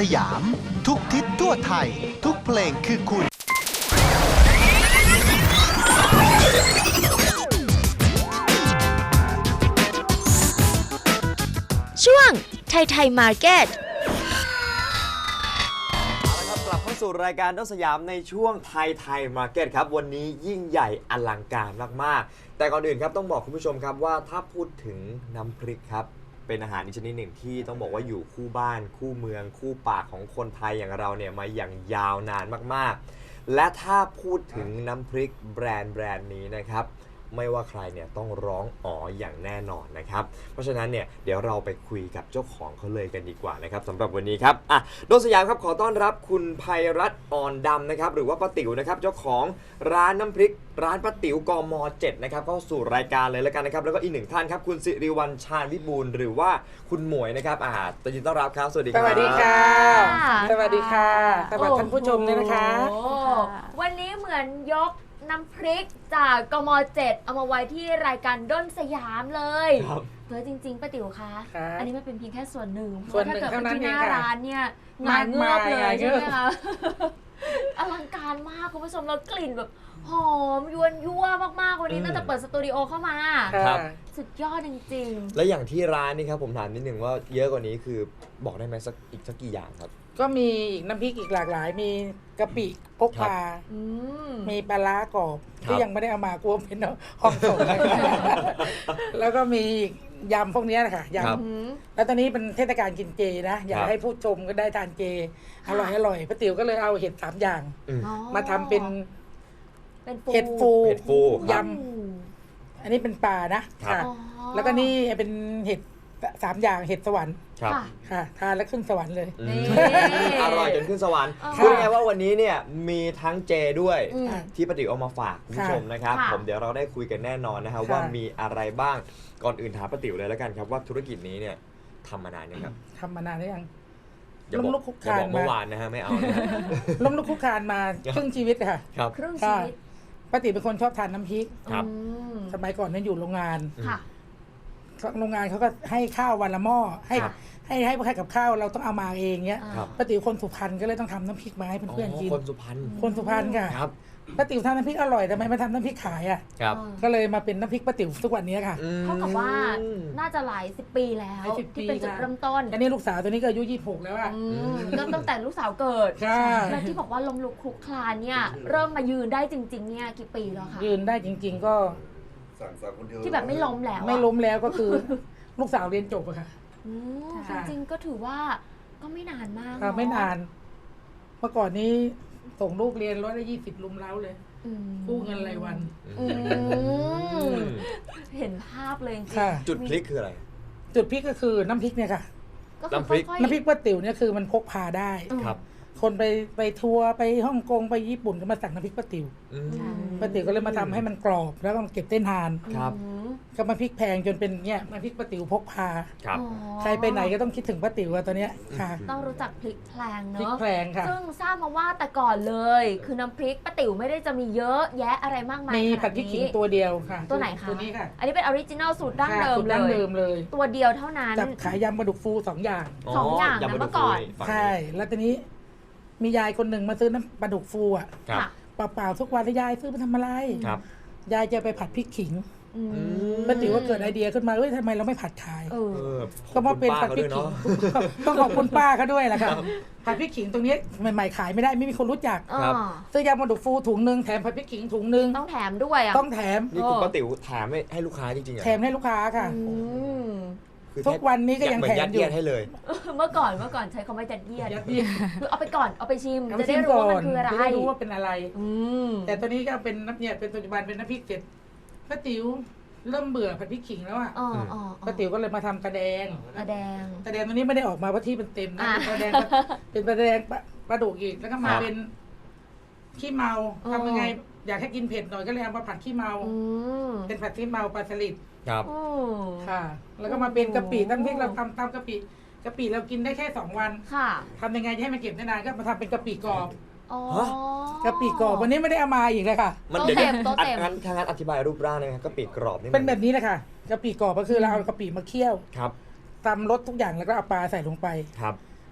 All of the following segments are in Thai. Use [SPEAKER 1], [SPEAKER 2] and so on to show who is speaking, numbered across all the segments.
[SPEAKER 1] ยาม ทุกทิศทั่วไทย ทุกเพลงคือคุณ
[SPEAKER 2] ช่วงไทยไทยมาร์เก็ต
[SPEAKER 3] กลับเข้าสู่รายการต้นสยามในช่วงไทยมาร์เก็ตครับวันนี้ยิ่งใหญ่อลังการมากๆแต่ก่อนอื่นครับต้องบอกคุณผู้ชมครับว่าถ้าพูดถึงน้ำพริกครับเป็นอาหารชนิดหนึ่งที่ต้องบอกว่าอยู่คู่บ้านคู่เมืองคู่ปากของคนไทยอย่างเราเนี่ยมาอย่างยาวนานมากๆและถ้าพูดถึงน้ำพริกแบรนด์นี้นะครับไม่ว่าใครเนี่ยต้องร้องอ๋ออย่างแน่นอนนะครับเพราะฉะนั้นเนี่ยเดี๋ยวเราไปคุยกับเจ้าของเขาเลยกันดีกว่านะครับสำหรับวันนี้ครับโดนสยามครับขอต้อนรับคุณไพรัตน์อ่อนดำนะครับหรือว่าป้าติ๋วนะครับเจ้าของร้านน้ำพริกร้านป้าติ๋วกม.7นะครับเข้าสู่รายการเลยแล้วกันนะครับแล้วก็อีกหนึ่งท่านครับคุณสิริวัลย์ชาญวิบูลย์หรือว่าคุณหมวยนะครับยินดีต้อนรับครับสวัสดีครับ
[SPEAKER 4] สวัสดีค่ะสวัสดีค่ะสวัสดีท่านผู้ชมเลยนะคะ
[SPEAKER 2] วันนี้เหมือนยกน้ำพริกจากกม.7เอามาไว้ที่รายการด้นสยามเลยเพื่อจริงๆป้าติ๋วคะอันนี้มันเป็นเพียงแค่ส่วนหนึ่งเพราะถ้าเกิดเป็นที่หน้าร้านเนี่ยงานเงือบเลยใช่ไหมคะอลังการมากคุณผู้ชมแล้วกลิ่นแบบหอมยวนยั่วมากๆวันนี้ตั้งแต่เปิดสตูดิโอเข้ามาสุดยอดจริงๆ
[SPEAKER 3] แล้วอย่างที่ร้านนี่ครับผมถามนิดนึงว่าเยอะกว่านี้คือบอกได้ไหมสักกี่อย่างครับ
[SPEAKER 4] ก็มีอีกน้ำพริกอีกหลากหลายมีกะปิพกพามีปลาร้ากรอบที่ยังไม่ได้เอามากลัวเป็นห้องส่งแล้วก็มียำพวกนี้นะคะยำแล้วตอนนี้เป็นเทศกาลกินเจนะอยากให้ผู้ชมก็ได้ทานเจอร่อยป้าติ๋วก็เลยเอาเห็ด3อย่างมาทำเป็นเห็ดฟูยำอันนี้เป็นปลานะค่ะแล้วก็นี่เป็นเห็ด3อย่างเห็ดสวรรค์ค่ะทานแล้วขึ้นสวรรค์เลย
[SPEAKER 3] อร่อยจนขึ้นสวรรค์พูดง่ายว่าวันนี้เนี่ยมีทั้งเจด้วยที่ป้าติ๋วเอามาฝากคุณผู้ชมนะครับผมเดี๋ยวเราได้คุยกันแน่นอนนะครับว่ามีอะไรบ้างก่อนอื่นถามป้าติ๋วเลยแล้วกันครับว่าธุรกิจนี้เนี่ยทำมานานยังครับ
[SPEAKER 4] ทำมานานหรือยัง
[SPEAKER 3] ล้มลุกคุกคานเมื่อวานนะฮะไม่เอา
[SPEAKER 4] ล้มลุกคุกคานมาครึ่งชีวิตค่ะ
[SPEAKER 2] ครึ่งชีวิต
[SPEAKER 4] ป้าติ๋วเป็นคนชอบทานน้ำพริกสมัยก่อนนั้นอยู่โรงงานโรงงานเขาก็ให้ข้าววันละหม้อให้กับข้าวเราต้องเอามาเองเงี้ยป้าติ๋วคนสุพรรณก็เลยต้องทำน้ำพริกมาให้เพื่อนๆกินคนสุพรรณค่ะป้าติ๋วทำน้ำพริกอร่อยทำไมมาทำน้ำพริกขายอ่ะก็เลยมาเป็นน้ำพริกป้าติ๋วทุกวันนี้ค่ะ
[SPEAKER 2] เท่ากับว่าน่าจะหลาย10 ปีแล้วที่เป็นจุดเริ่มต้น
[SPEAKER 4] อันนี้ลูกสาวตัวนี้ก็อายุ26แล้วอ่ะ
[SPEAKER 2] ก็ตั้งแต่ลูกสาวเกิดแล้วที่บอกว่าล้มลุกคลุกคลานเนี่ยเริ่มมายืนได้จริงๆเนี่ยกี่ปีแล้วคะ
[SPEAKER 4] ยืนได้จริงๆก็
[SPEAKER 2] ที่แบบไม่ล้ม
[SPEAKER 4] แล้วก็คือลูกสาวเรียนจบอะค่ะ
[SPEAKER 2] จริงๆก็ถือว่าก็ไม่นานมาก
[SPEAKER 4] ไม่นานเมื่อก่อนนี้ส่งลูกเรียน120ลุมเล้าเลยกู้เงินรายวัน
[SPEAKER 2] เห็นภาพเลยจริง
[SPEAKER 3] จุดพลิกคืออะไร
[SPEAKER 4] จุดพลิกก็คือน้ำพริกเนี่ยค่ะ
[SPEAKER 3] น้ำพริก
[SPEAKER 4] ป้าติ๋วเนี่ยคือมันพกพาได้
[SPEAKER 3] ครับ
[SPEAKER 4] คนไปทัวร์ไปฮ่องกงไปญี่ปุ่นก็มาสั่งน้ำพริกป้าติ๋วป้าติ๋วก็เลยมาทำให้มันกรอบแล้วก็เก็บเต้นทานก็มาพริกแพงจนเป็นเนี่ยมาพริกป้าติ๋วพกพาใครไปไหนก็ต้องคิดถึงป้าติ๋วตอนเนี้ยค่ะ
[SPEAKER 2] ต้องรู้จักพริกแพงเนอะ
[SPEAKER 4] พริกแพงค่ะ
[SPEAKER 2] ซึ่งทราบมาว่าแต่ก่อนเลยคือน้ำพริกป้าติ๋วไม่ได้จะมีเยอะแยะอะไรมากมาย
[SPEAKER 4] มีผัดพริกขิงตัวเดียวค่ะ
[SPEAKER 2] ตัวไหนคะ
[SPEAKER 4] ตัวนี้ค่ะ
[SPEAKER 2] อันนี้เป็นออริจินัลสูตรดั้งเดิมเลยตัวเดียวเท่านั้น
[SPEAKER 4] จับขายยำปลาดุกฟู2 อย่าง
[SPEAKER 2] นะเมื่อก่อน
[SPEAKER 4] ใช่แล้วตอนนี้มียายคนหนึ่งมาซื้อน้ำปลาดุกฟูอ่ะเปล่าๆทุกวันแล้วยายซื้อไปทำอะไรยายจะไปผัดพริกขิงป้าติ๋วว่าเกิดไอเดียขึ้นมาทำไมเราไม่ผัดขายก็มาเป็นผัดพริกขิงต้องขอบคุณป้าเขาด้วยแหละค่ะผัดพริกขิงตรงนี้ใหม่ๆขายไม่ได้ไม่มีคนรู้จักซื้อยำปลาดุกฟูถุงนึงแถมผัดพริกขิงถุงนึง
[SPEAKER 2] ต้องแถมด้วย
[SPEAKER 4] ต้องแถม
[SPEAKER 3] นี่คุณป้าติ๋วแถมให้ลูกค้าจริงๆ
[SPEAKER 4] แถมให้ลูกค้าค่ะทุกวันนี้ก็ยังแถมอยู่
[SPEAKER 3] ให้เลย
[SPEAKER 2] เมื่อก่อนใช้คำว่ายัดเยียดคือเอาไปก่อนเอาไปชิมจะได้รู้ว่ามันคืออะไร
[SPEAKER 4] จะได้รู้ว่าเป็นอะไรแต่ตอนนี้ก็เป็นน้ำเนี่ยเป็นปัจจุบันเป็นน้ำพริกเสร็จป้าติ๋วเริ่มเบื่อผัดพริกขิงแล้วอ่ะป้าติ๋วก็เลยมาทำตะแดงตัวนี้ไม่ได้ออกมาเพราะที่เป็นเต็มนะเป็นตะแดงปลาดุกอีกแล้วก็มาเป็นขี้เมาทำยังไงอยากให้กินเผ็ดหน่อยก็เลยเอามาผัดขี้เมาเป็นผัดขี้เมาปลาสลิด
[SPEAKER 3] ครับ
[SPEAKER 4] ค่ะแล้วก็มาเป็นกะปิน้ำพริกเราทำกะปิเรากินได้แค่2 วันทำยังไงให้มันเก็บได้นานก็มาทำเป็นกะปิกรอบกะปิกรอบวันนี้ไม่ได้เอามาอีกเลยค่ะ
[SPEAKER 2] มันเดี๋ยว
[SPEAKER 3] ทางนั้นอธิบายรูปร่างเลยครับกะปิกรอบนี่
[SPEAKER 4] เป็นแบบนี้เลยค่ะกะปิกรอบก็คือเราเอากะปิมาเคี่ยว
[SPEAKER 3] ครับ
[SPEAKER 4] ทำรสทุกอย่างแล้วก็เอาปลาใส่ลงไป
[SPEAKER 3] ครับ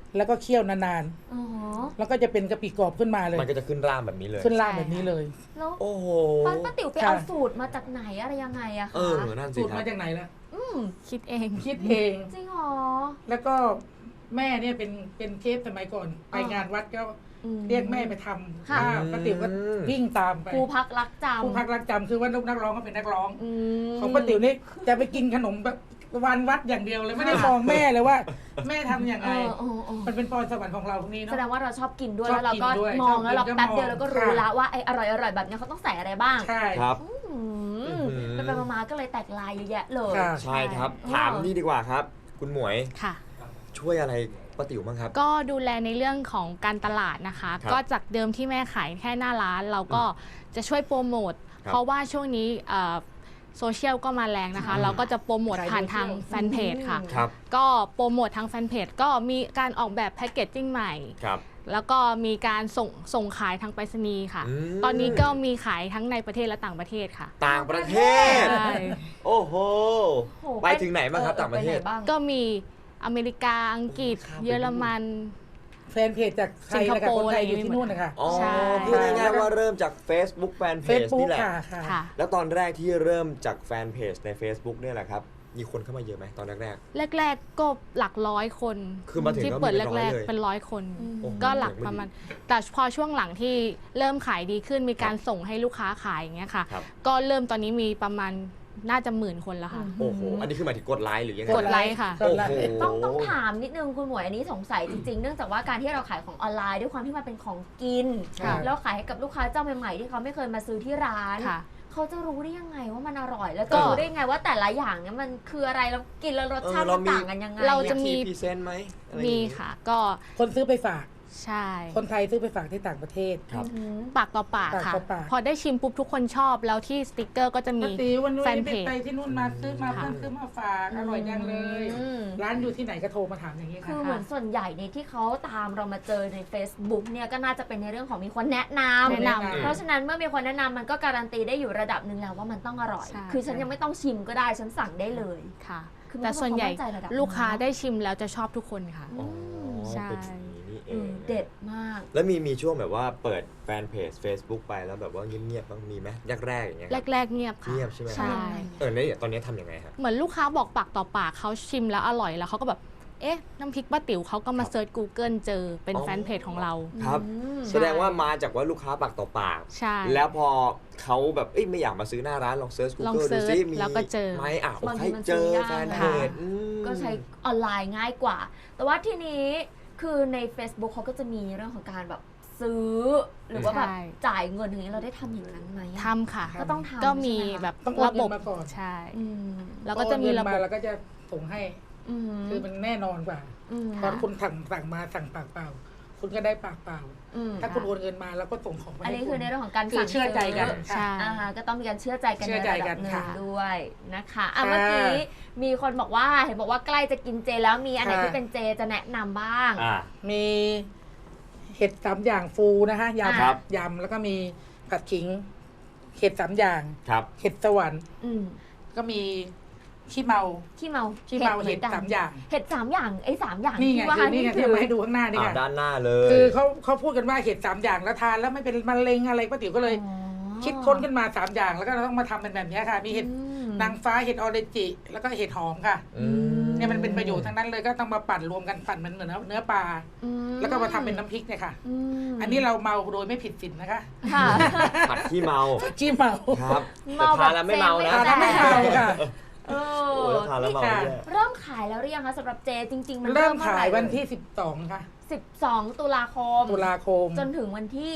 [SPEAKER 4] แล้วก็เคี่ยวนาน
[SPEAKER 2] อ๋อ
[SPEAKER 4] ๆแล้วก็จะเป็นกะปิกรอบขึ้นมาเลย
[SPEAKER 3] มันก็จะขึ้นร่างแบบนี้เลย
[SPEAKER 4] ขึ้นล่างแบบนี้เลย
[SPEAKER 2] แล้ว
[SPEAKER 3] โอ้โห
[SPEAKER 2] ป้าติ๋วไปเอาสูตรมาจากไหนอะไรยังไงอะ
[SPEAKER 3] เอ
[SPEAKER 2] คะ
[SPEAKER 3] อนั่นสิ
[SPEAKER 4] สูตร
[SPEAKER 3] ครั
[SPEAKER 4] มา
[SPEAKER 3] บ
[SPEAKER 4] จากไหนล่ะ
[SPEAKER 5] คิดเอง
[SPEAKER 4] คิดเอง
[SPEAKER 2] จริงเหรอ
[SPEAKER 4] แล้วก็แม่เนี่ยเป็นเชฟสมัยก่อน ไปงานวัดก็
[SPEAKER 2] อืม
[SPEAKER 4] เรียกแม่ไปท
[SPEAKER 2] ค่ะ
[SPEAKER 4] ำป้าติ๋วก็วิ่งตามไป
[SPEAKER 2] ครูพักรักจำ
[SPEAKER 4] ผู้พักรักจำคือว่าลูกนักร้องก็เป็นนักร้อง
[SPEAKER 2] อืม
[SPEAKER 4] ของป้าติ๋วนี่จะไปกินขนมแบบวันวัดอย่างเดียวเลยไม่ได้มองแม่เลยว่า แม่ทำอย่างไร มันเป็นพรสวรรค์ของเราพวกนี้
[SPEAKER 2] แส
[SPEAKER 4] เนาะ
[SPEAKER 2] ดงว่าเราชอบกินด้วย
[SPEAKER 4] ชอ
[SPEAKER 2] แล้
[SPEAKER 4] บ
[SPEAKER 2] วเราก็
[SPEAKER 4] กินด้วย
[SPEAKER 2] มอง
[SPEAKER 4] ชอบกิน
[SPEAKER 2] แล้วเรา
[SPEAKER 4] ก็
[SPEAKER 2] แป๊บเดียว
[SPEAKER 4] มอง
[SPEAKER 2] เราก็รู้
[SPEAKER 4] ค่ะ
[SPEAKER 2] แล้วว่าไอ้อร่อยๆแบบเนี้ยเขาต้องใส่อะไรบ้าง
[SPEAKER 4] ใช่
[SPEAKER 3] ครับ
[SPEAKER 2] ไปๆมาๆก็เลยแตกลายเยอะแยะเลย
[SPEAKER 4] ค่ะ
[SPEAKER 3] ใช่ครับ ถามนี่ดีกว่าครับ คุณหมวย
[SPEAKER 5] ค่ะ
[SPEAKER 3] ช่วยอะไรป้าติ๋วบ้างครับ
[SPEAKER 5] ก็ดูแลในเรื่องของการตลาดนะคะ
[SPEAKER 3] ครับ
[SPEAKER 5] ก็จากเดิมที่แม่ขายแค่หน้าร้าน เราก็จะช่วยโปรโมท
[SPEAKER 3] ครับ
[SPEAKER 5] เพราะว่าช่วงนี้โซเชียลก็มาแรงนะคะ เราก็จะโปรโมทผ่านทางแฟนเพจค่ะ
[SPEAKER 3] ครับ
[SPEAKER 5] ก็โปรโมททางแฟนเพจก็มีการออกแบบแพคเกจจิ้งใหม่
[SPEAKER 3] ครับ
[SPEAKER 5] แล้วก็มีการส่งขายทางไปรษณีย์ค่ะ
[SPEAKER 3] อืม
[SPEAKER 5] ตอนนี้ก็มีขายทั้งในประเทศและต่างประเทศค่ะ
[SPEAKER 3] ต่างประเทศ
[SPEAKER 5] ใช่
[SPEAKER 3] โอ้โห
[SPEAKER 2] โอ้โห
[SPEAKER 3] ไปถึงไหนบ้างครับต่างประเทศ
[SPEAKER 2] ไไหนบ้าง
[SPEAKER 5] ก็มีอเมริกา อังกฤษ
[SPEAKER 3] ข้ามไป
[SPEAKER 5] เยอรมัน
[SPEAKER 4] แฟนเพจจากไทยแล้วกับคนไทยอยู่ที่นู่นนะคะ
[SPEAKER 3] อ๋อ
[SPEAKER 5] ใช่
[SPEAKER 3] พูดง่ายๆว่าเริ่มจาก Facebook แฟนเพ
[SPEAKER 4] เฟ
[SPEAKER 3] จ
[SPEAKER 4] ซบุ๊ก
[SPEAKER 3] นี่แหละ
[SPEAKER 4] ค่ะค่ะ
[SPEAKER 5] ค่ะ
[SPEAKER 3] แล้วตอนแรกที่เริ่มจากแฟนเพจใน Facebook เนี่ยแหละครับ มีคนเข้ามาเยอะไหมตอนแรก
[SPEAKER 5] แรกๆก็หลักร้อยคน
[SPEAKER 3] คือมาถึง
[SPEAKER 5] ที่
[SPEAKER 3] ก็มี
[SPEAKER 5] เปิด
[SPEAKER 3] เป็นร้อย
[SPEAKER 5] แรก
[SPEAKER 3] เลย
[SPEAKER 5] ๆเป็นร้อยคน
[SPEAKER 2] อืม
[SPEAKER 3] โอ้โห
[SPEAKER 5] ก็หลักประมาณ แต่พอช่วงหลังที่เริ่มขายดีขึ้นมีการส่งให้ลูกค้าขายอย่างเงี้ยค่ะ
[SPEAKER 3] ครับ
[SPEAKER 5] ก็เริ่มตอนนี้มีประมาณน่าจะ10,000 คนแล้วค่ะ
[SPEAKER 3] โอ้โห อันนี้คือหมายถึงกดไลค์หรือยังไง
[SPEAKER 5] กดไลค์ค่ะ
[SPEAKER 3] โอ้โห
[SPEAKER 2] ต้องถามนิดนึงคุณหมวยอันนี้สงสัยจริงๆ เนื่องจากว่าการที่เราขายของออนไลน์ด้วยความที่มันเป็นของกิน
[SPEAKER 4] ค่ะ
[SPEAKER 2] แล้วขายให้กับลูกค้าเจ้าใหม่ๆที่เขาไม่เคยมาซื้อที่ร้าน
[SPEAKER 5] ค่ะ
[SPEAKER 2] เขาจะรู้ได้ยังไงว่ามันอร่อย แล้ว
[SPEAKER 5] ก็
[SPEAKER 2] จะรู้ได้ยังไงว่าแต่ละอย่างเนี่ยมันคืออะไรแล้วกินแล้วรสชาติ
[SPEAKER 3] เออเรา
[SPEAKER 2] มัน
[SPEAKER 3] มี
[SPEAKER 2] ต่างกันยังไง
[SPEAKER 5] เราจะ
[SPEAKER 3] มีพรีเซนต์ไหมอะไรอย่าง
[SPEAKER 5] มี
[SPEAKER 3] งี้
[SPEAKER 5] ค่ะ ก็
[SPEAKER 4] คนซื้อไปฝาก
[SPEAKER 5] ใช่
[SPEAKER 4] คนไทยซื้อไปฝากที่ต่างประเทศ
[SPEAKER 3] ครับ
[SPEAKER 2] อืม
[SPEAKER 5] ปากต่อปาก
[SPEAKER 4] ปาก
[SPEAKER 5] ค่ะ
[SPEAKER 4] ต่อปาก
[SPEAKER 5] พอได้ชิมปุ๊บทุกคนชอบแล้วที่สติกเกอร์ก็จะมี
[SPEAKER 4] ป้าติ๋ววันนี้
[SPEAKER 5] แฟนเพจ
[SPEAKER 4] ไปที่นู่นมาซื้อมา
[SPEAKER 5] ค่ะ
[SPEAKER 4] เพิ่งซื้อมาฝากอร่อยจังเลย
[SPEAKER 2] อืม
[SPEAKER 4] ร้านอยู่ที่ไหนก็โทรมาถามอย่างนี้
[SPEAKER 2] คื
[SPEAKER 4] ค่ะ
[SPEAKER 2] อเหมือนส่วนใหญ่เนี่ยที่เขาตามเรามาเจอใน Facebook เนี่ยก็น่าจะเป็นในเรื่องของมีคนแนะนำ
[SPEAKER 5] แนะนำ
[SPEAKER 2] เพราะฉะนั้นเมื่อมีคนแนะนำมันก็การันตีได้อยู่ระดับหนึ่งแล้วว่ามันต้องอร่อย
[SPEAKER 5] ใช่
[SPEAKER 2] คือฉันยังไม่ต้องชิมก็ได้ฉันสั่งได้เลย
[SPEAKER 5] ค่ะ
[SPEAKER 2] คือมัน
[SPEAKER 5] แต่ส่วนใหญ่
[SPEAKER 2] ต้องมั่นใจระดับ
[SPEAKER 5] ลูกค้า
[SPEAKER 2] หนึ่ง
[SPEAKER 5] ได้ชิมแล้วจะชอบทุกคนค่ะ
[SPEAKER 3] อ๋อ
[SPEAKER 5] ใช่
[SPEAKER 3] เป็นอย่างนี้นี่เอ
[SPEAKER 2] อื
[SPEAKER 3] ง
[SPEAKER 2] มเด็ดมาก
[SPEAKER 3] แล้วมีช่วงแบบว่าเปิดแฟนเพจ Facebook ไปแล้วแบบว่าเงียบๆบ้างมีไหมแรกๆอย่างเงี้ยครับ
[SPEAKER 5] แรกๆเงียบค่ะ
[SPEAKER 3] เงียบใช่ไหม
[SPEAKER 5] ใช่
[SPEAKER 3] เนี่ยตอนนี้ทำยังไงฮะ
[SPEAKER 5] เหมือนลูกค้าบอกปากต่อปากเขาชิมแล้วอร่อยแล้วเขาก็แบบ เอ๊ะ น้ำพริกป้าติ๋วเขาก็มาเซิร์ช Google เจอเป็น
[SPEAKER 3] อ๋อ
[SPEAKER 5] แฟนเพจของเรา
[SPEAKER 3] ครับ
[SPEAKER 2] อืม
[SPEAKER 3] แสดงว่ามาจากว่าลูกค้าปากต่อปาก
[SPEAKER 5] ใช่
[SPEAKER 3] แล้วพอเขาแบบเอ้ยไม่อยากมาซื้อหน้าร้านลองเซิร์ช
[SPEAKER 5] ลอง
[SPEAKER 3] Google
[SPEAKER 5] เสิ
[SPEAKER 3] ดู
[SPEAKER 5] ร์ช
[SPEAKER 3] ซิมี
[SPEAKER 5] แล้วก็เจอ
[SPEAKER 3] ไหมอ่ะโอ
[SPEAKER 2] าง
[SPEAKER 3] เค
[SPEAKER 2] ทีมัน
[SPEAKER 3] เจอ
[SPEAKER 2] ซื้อยาก
[SPEAKER 3] แฟนเพจอืม
[SPEAKER 2] ก็ใช้ออนไลน์ง่ายกว่า แต่ว่าทีนี้คือใน Facebook เขาก็จะมีเรื่องของการแบบซื้อ หรือว่าแบบ
[SPEAKER 5] ใช่
[SPEAKER 2] จ่ายเงินอย่างนี้เราได้ทำอย่างนั้นไหมอะ
[SPEAKER 5] ทำค่ะ
[SPEAKER 2] ก็ต้องทำ
[SPEAKER 5] ก็มี
[SPEAKER 2] ใช่ไหคะ
[SPEAKER 5] แบบ
[SPEAKER 4] ต้องโอน
[SPEAKER 5] ระ
[SPEAKER 4] เงิ
[SPEAKER 5] บบ
[SPEAKER 4] นมาก่อน
[SPEAKER 5] ใช่
[SPEAKER 2] อืม
[SPEAKER 5] แล้วก็จะมีระบบ
[SPEAKER 4] แล้วก็จะส่งให้
[SPEAKER 2] อืม
[SPEAKER 4] คือมันแน่นอนกว่า
[SPEAKER 2] อืม
[SPEAKER 4] ตอนคุณสั่งมาสั่งปากเปล่า คุณก็ได้ปากเปล่า
[SPEAKER 2] อืม
[SPEAKER 4] ถ้าคุณโอนเงินมาแล้วก็ส่งของมา
[SPEAKER 2] อัน
[SPEAKER 4] ให้
[SPEAKER 2] นี้
[SPEAKER 4] คุ
[SPEAKER 2] คือ
[SPEAKER 4] ณ
[SPEAKER 2] ในเรื่องของการ
[SPEAKER 4] คือ
[SPEAKER 2] สั่ง
[SPEAKER 4] เชื่อใจกัน
[SPEAKER 2] ซื้อ
[SPEAKER 5] ใช่
[SPEAKER 2] ก็ต้องมีการเชื่อใจกัน
[SPEAKER 4] เชื่
[SPEAKER 2] ใน
[SPEAKER 4] อใจ
[SPEAKER 2] ระ
[SPEAKER 4] กั
[SPEAKER 2] ดับ
[SPEAKER 4] น
[SPEAKER 2] หนึ่ง
[SPEAKER 4] ค่ะ
[SPEAKER 2] ด้วยนะคะอ่ะ
[SPEAKER 4] ค่ะ
[SPEAKER 2] เมื่อกี้มีคนบอกว่าเห็นบอกว่าใกล้จะกินเจแล้วมีอันไหน
[SPEAKER 4] ค่ะ
[SPEAKER 2] ที่เป็นเจจะแนะนำบ้าง
[SPEAKER 3] อ่า
[SPEAKER 4] มีเห็ด3อย่างฟูนะคะ
[SPEAKER 3] ครับ
[SPEAKER 4] ยำแล้วก็มีผัดขิง เห็ด3อย่าง
[SPEAKER 3] ครับ
[SPEAKER 4] เห็ดสวรรค์
[SPEAKER 2] อืม
[SPEAKER 4] ก็มีขี้เมา
[SPEAKER 2] ขี้เมา
[SPEAKER 4] ขี้เมาเห็ด
[SPEAKER 2] มือนกัน
[SPEAKER 4] 3อย่าง
[SPEAKER 2] เห็ด3อย่างไอ้3อย่าง
[SPEAKER 4] นี่ไง
[SPEAKER 2] ที่ว่า
[SPEAKER 4] คือนี่ไงที่เอามาให้ดูข้างหน้านี่
[SPEAKER 3] อ่า
[SPEAKER 4] ค่ะ
[SPEAKER 3] ด้านหน้าเลย
[SPEAKER 4] คือเขาพูดกันว่าเห็ด3อย่างแล้วทานแล้วไม่เป็นมะเร็งอะไรป้าติ๋วก็เลย
[SPEAKER 2] อ๋อ
[SPEAKER 4] คิดค้นขึ้นมา3อย่างแล้วก็เราต้องมาทำเป็นแบบนี้ค่ะ มีเห็ด
[SPEAKER 2] อืม
[SPEAKER 4] นางฟ้าเห็ดออเรนจิแล้วก็เห็ดหอมค่ะ
[SPEAKER 3] อืม
[SPEAKER 4] เนี่ยมันเป็นประโยชน์ทั้งนั้นเลยก็ต้องมาปั่นรวมกันปั่นมันเหมือนเนื้อปลา
[SPEAKER 2] อืม
[SPEAKER 4] แล้วก็มาทำเป็นน้ำพริกเนี่ยค่ะ
[SPEAKER 2] ม
[SPEAKER 4] อันนี้เราเมาโดยไม่ผิดศีลนะคะ
[SPEAKER 2] ค่ะ
[SPEAKER 3] ผัดขี้เมา
[SPEAKER 4] ขี้เมา
[SPEAKER 3] ครับ
[SPEAKER 2] เมา
[SPEAKER 3] แต่ทานแล้วไม่เมานะ
[SPEAKER 2] แบบ
[SPEAKER 4] ทานไม่เมาค่ะ
[SPEAKER 2] เอ
[SPEAKER 3] โอ้
[SPEAKER 2] อ
[SPEAKER 3] แล้วทานแล้วเมา
[SPEAKER 4] ค่ะ
[SPEAKER 3] เนี่ย
[SPEAKER 2] เริ่มขายแล้วหรือยังคะสำหรับเจจริง ๆ มัน
[SPEAKER 4] เริ่ม
[SPEAKER 2] อ
[SPEAKER 4] ขาย
[SPEAKER 2] ไห
[SPEAKER 4] วันที่12ค่ะ
[SPEAKER 2] 12 ตุลาคม
[SPEAKER 4] ตุลาคม
[SPEAKER 2] จนถึงวันที่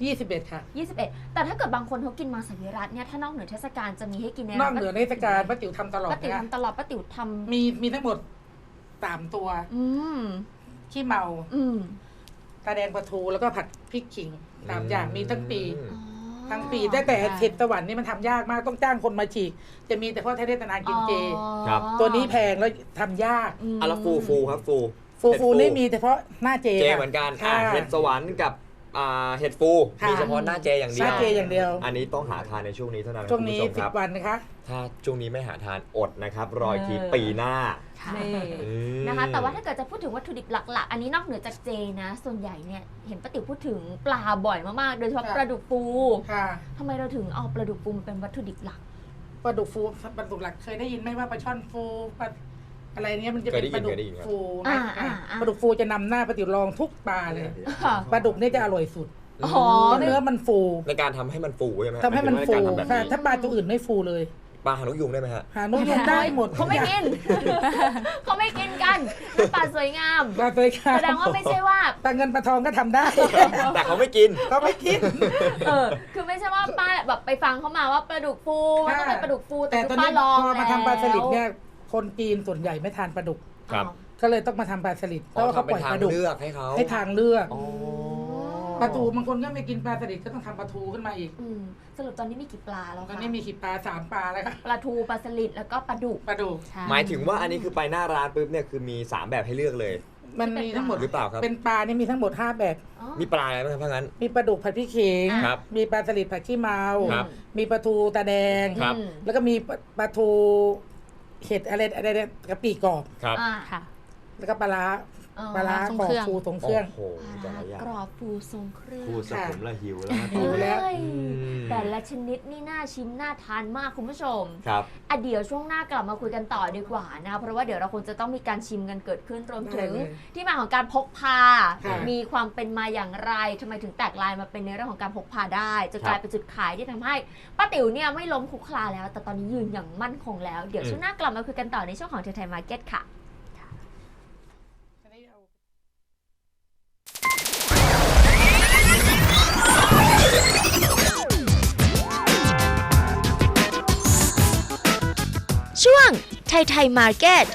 [SPEAKER 4] 21ค่ะ
[SPEAKER 2] 21 แต่ถ้าเกิดบางคนเขากินมังสวิรัติเนี่ยถ้านอกเหนือเทศกาลจะมีให้กินใน
[SPEAKER 4] นอกเหนือเทศกาลป้าติ๋วทำตลอด
[SPEAKER 2] ป้าติ๋ว
[SPEAKER 4] นะคะ
[SPEAKER 2] ทำตลอดป้าติ๋วทำ
[SPEAKER 4] มีทั้งหมด3ตัว
[SPEAKER 2] อืม
[SPEAKER 4] ขี้เมา
[SPEAKER 2] อืม
[SPEAKER 4] ตาแดงปลาทูแล้วก็ผัดพริกขิง3อย่างมีทั้งปี
[SPEAKER 2] อ๋อ
[SPEAKER 4] ทั้งปีแต่เห็ดสวรรค์นี่มันทำยากมากต้องจ้างคนมาฉีก จะมีแต่พ่อเทศนากินเจ
[SPEAKER 2] อ๋อ
[SPEAKER 3] ครับ
[SPEAKER 4] ตัวนี้แพงแล้วทำยาก
[SPEAKER 2] ม
[SPEAKER 3] อ่ะแล้วฟูครับฟู
[SPEAKER 4] ฟูนี่มีแต่เพราะหน้าเจ
[SPEAKER 3] เจ
[SPEAKER 4] ค่ะ
[SPEAKER 3] เหมือนกัน
[SPEAKER 4] ค่ะ
[SPEAKER 3] เห็ดสวรรค์กับเห็ดฟู
[SPEAKER 4] ค่ะ
[SPEAKER 3] มีเฉพาะหน้าเจอย่างเดียว
[SPEAKER 4] หน้าเจอย่างเดียว
[SPEAKER 3] อันนี้ต้องหาทานในช่วงนี้เท่านั้นนะ
[SPEAKER 4] ช่วงนี้
[SPEAKER 3] คุณผู้ชมครับ
[SPEAKER 4] 10 วันนะคะ
[SPEAKER 3] ถ้าช่วงนี้ไม่หาทานอดนะครับ รออีกทีปีหน้า
[SPEAKER 2] นี่
[SPEAKER 3] อืม
[SPEAKER 2] นะคะ แต่ว่าถ้าเกิดจะพูดถึงวัตถุดิบหลักๆ อันนี้นอกเหนือจากเจนะ ส่วนใหญ่เนี่ยเห็นป้าติ๋วพูดถึงปลาบ่อยมากๆ โดยเฉพาะ
[SPEAKER 4] ค่ะ
[SPEAKER 2] ปลาดุกฟู
[SPEAKER 4] ค่ะ
[SPEAKER 2] ทำไมเราถึงเอาปลาดุกฟูมาเป็นวัตถุดิบหลัก
[SPEAKER 4] ปลาดุกฟูปลาดุกหลักเคยได้ยินไหมว่าปลาช่อนฟูปลาอะไรเนี้ยมันจะเป็นปลาดุกฟู
[SPEAKER 2] อ่า
[SPEAKER 4] นะ
[SPEAKER 2] อ่า
[SPEAKER 4] ปลาดุกฟูจะนำหน้าปลาติ๋วลองทุกปลาเลย
[SPEAKER 2] ค่ะ
[SPEAKER 4] ปลาดุกเนี่ยจะอร่อยสุด
[SPEAKER 2] อ๋อ
[SPEAKER 4] เพราะเนื้อมันฟู
[SPEAKER 3] ในการทำให้มันฟูใช่ไหม
[SPEAKER 4] ทำให้มัน
[SPEAKER 3] าย
[SPEAKER 4] ฟู
[SPEAKER 3] ถึงว่าในการทำแบบ
[SPEAKER 4] ค่ะ
[SPEAKER 3] นี้
[SPEAKER 4] ถ้าปลาตัวอื่นไม่ฟูเลย
[SPEAKER 3] ปลาหางนกยุงได้ไหมฮะ
[SPEAKER 4] หานุ่ยงได้หมด
[SPEAKER 2] เขาไม่กิน เขาไม่กินกันปลาสวยงาม
[SPEAKER 4] ปลาตัวข้า
[SPEAKER 2] แสดงว่าไม่ใช่ว่า
[SPEAKER 4] ปลาเงินปลาทองก็ทำได้
[SPEAKER 3] แต่เขาไม่กิน
[SPEAKER 4] เขาไม่คิด
[SPEAKER 2] คือไม่ใช่ว่าป้าแบบไปฟังเขามาว่าปลาดุกฟูมันต้องเป็นปลาดุกฟูแต่
[SPEAKER 4] แต่
[SPEAKER 2] คือ
[SPEAKER 4] ตอน
[SPEAKER 2] ป้า
[SPEAKER 4] นี้
[SPEAKER 2] ลอง
[SPEAKER 4] พอมาทำปลาสลิดเนี่ย
[SPEAKER 2] แว
[SPEAKER 4] คนจีนส่วนใหญ่ไม่ทานปลาดุก
[SPEAKER 3] ครับ
[SPEAKER 4] ก็เลยต้องมาทำปลาสลิดเพราะว่าเขาปล่อยปลาดุก
[SPEAKER 3] เลือกให้เขา
[SPEAKER 4] ให้ทางเลือก
[SPEAKER 3] อ๋อ
[SPEAKER 4] ปลาทูบางคนก็ไม่กินปลาสลิดก็ต้องทำปลาทูขึ้นมาอีก
[SPEAKER 2] สรุปตอนนี้มีกี่ปลาแล้ว
[SPEAKER 4] ตอน
[SPEAKER 2] คะ
[SPEAKER 4] นี้มีขีดปลา3 ปลาแล้วค่ะ
[SPEAKER 2] ปลาทูปลาสลิดแล้วก็ปลาดุก
[SPEAKER 4] ปลาดุก
[SPEAKER 5] ใช่
[SPEAKER 3] หมายถึงว่าอันนี้คือไปหน้าร้านปุ๊บเนี่ยคือมี 3 แบบให้เลือกเลย
[SPEAKER 4] มันมีทั้งหมด
[SPEAKER 3] หรือเปล่าครับ
[SPEAKER 4] เป็นปลานี่มีทั้งหมด5 แบบ
[SPEAKER 2] อ๋อ
[SPEAKER 3] มีปลาอะไรบ้างครับถ้างั้น
[SPEAKER 4] มีปลาดุกผัดพริกเขิง
[SPEAKER 3] ครับ
[SPEAKER 4] มีปลาสลิดผัดขี้เมา
[SPEAKER 3] ครับ
[SPEAKER 4] มีปลาทูตาแดง
[SPEAKER 3] ครับ
[SPEAKER 4] แล้วก็มีปลาทูเห็ดอะไรกะปิกรอบ
[SPEAKER 3] ครับ
[SPEAKER 2] อ่า
[SPEAKER 5] ค่ะ
[SPEAKER 4] แล้วก็ปลาร้า
[SPEAKER 2] อ๋อ
[SPEAKER 4] ปลาร้า
[SPEAKER 5] ทรง
[SPEAKER 4] กรอ
[SPEAKER 5] เค
[SPEAKER 4] บ
[SPEAKER 5] รื่อง
[SPEAKER 4] ฟูตรงเครื่อง
[SPEAKER 3] โอ้โหแต่ละอย่าง
[SPEAKER 2] กรอบฟูทรงเครื่อง
[SPEAKER 3] พูดสะผมละหิวแล้วนะ
[SPEAKER 4] หิวแล้ว
[SPEAKER 2] เฮ้ย
[SPEAKER 3] อืม
[SPEAKER 2] แต่ละชนิดนี่น่าชิมน่าทานมากคุณผู้ชม
[SPEAKER 3] ครับ
[SPEAKER 2] เดี๋ยวช่วงหน้ากลับมาคุยกันต่อดีกว่านะเพราะว่าเดี๋ยวเราคงจะต้องมีการชิมกันเกิดขึ้นรวมถึง
[SPEAKER 4] ได้เลย
[SPEAKER 2] ที่มาของการพกพา
[SPEAKER 4] ค่ะ
[SPEAKER 2] มีความเป็นมาอย่างไรทำไมถึงแตกลายมาเป็นในเรื่องของการพกพาได้จะกลายเป็นจุดขายที่ทำให้ป้าติ๋วเนี่ยไม่ล้มคุกคลานแล้ว แต่ตอนนี้ยืนอย่างมั่นคงแล้วเดี๋ยวช่วงหน้ากลับมาคุยกันต่อในช่วงของไทยมาร์เก็ตค่ะ ช่วงไทยมาร์เก็ต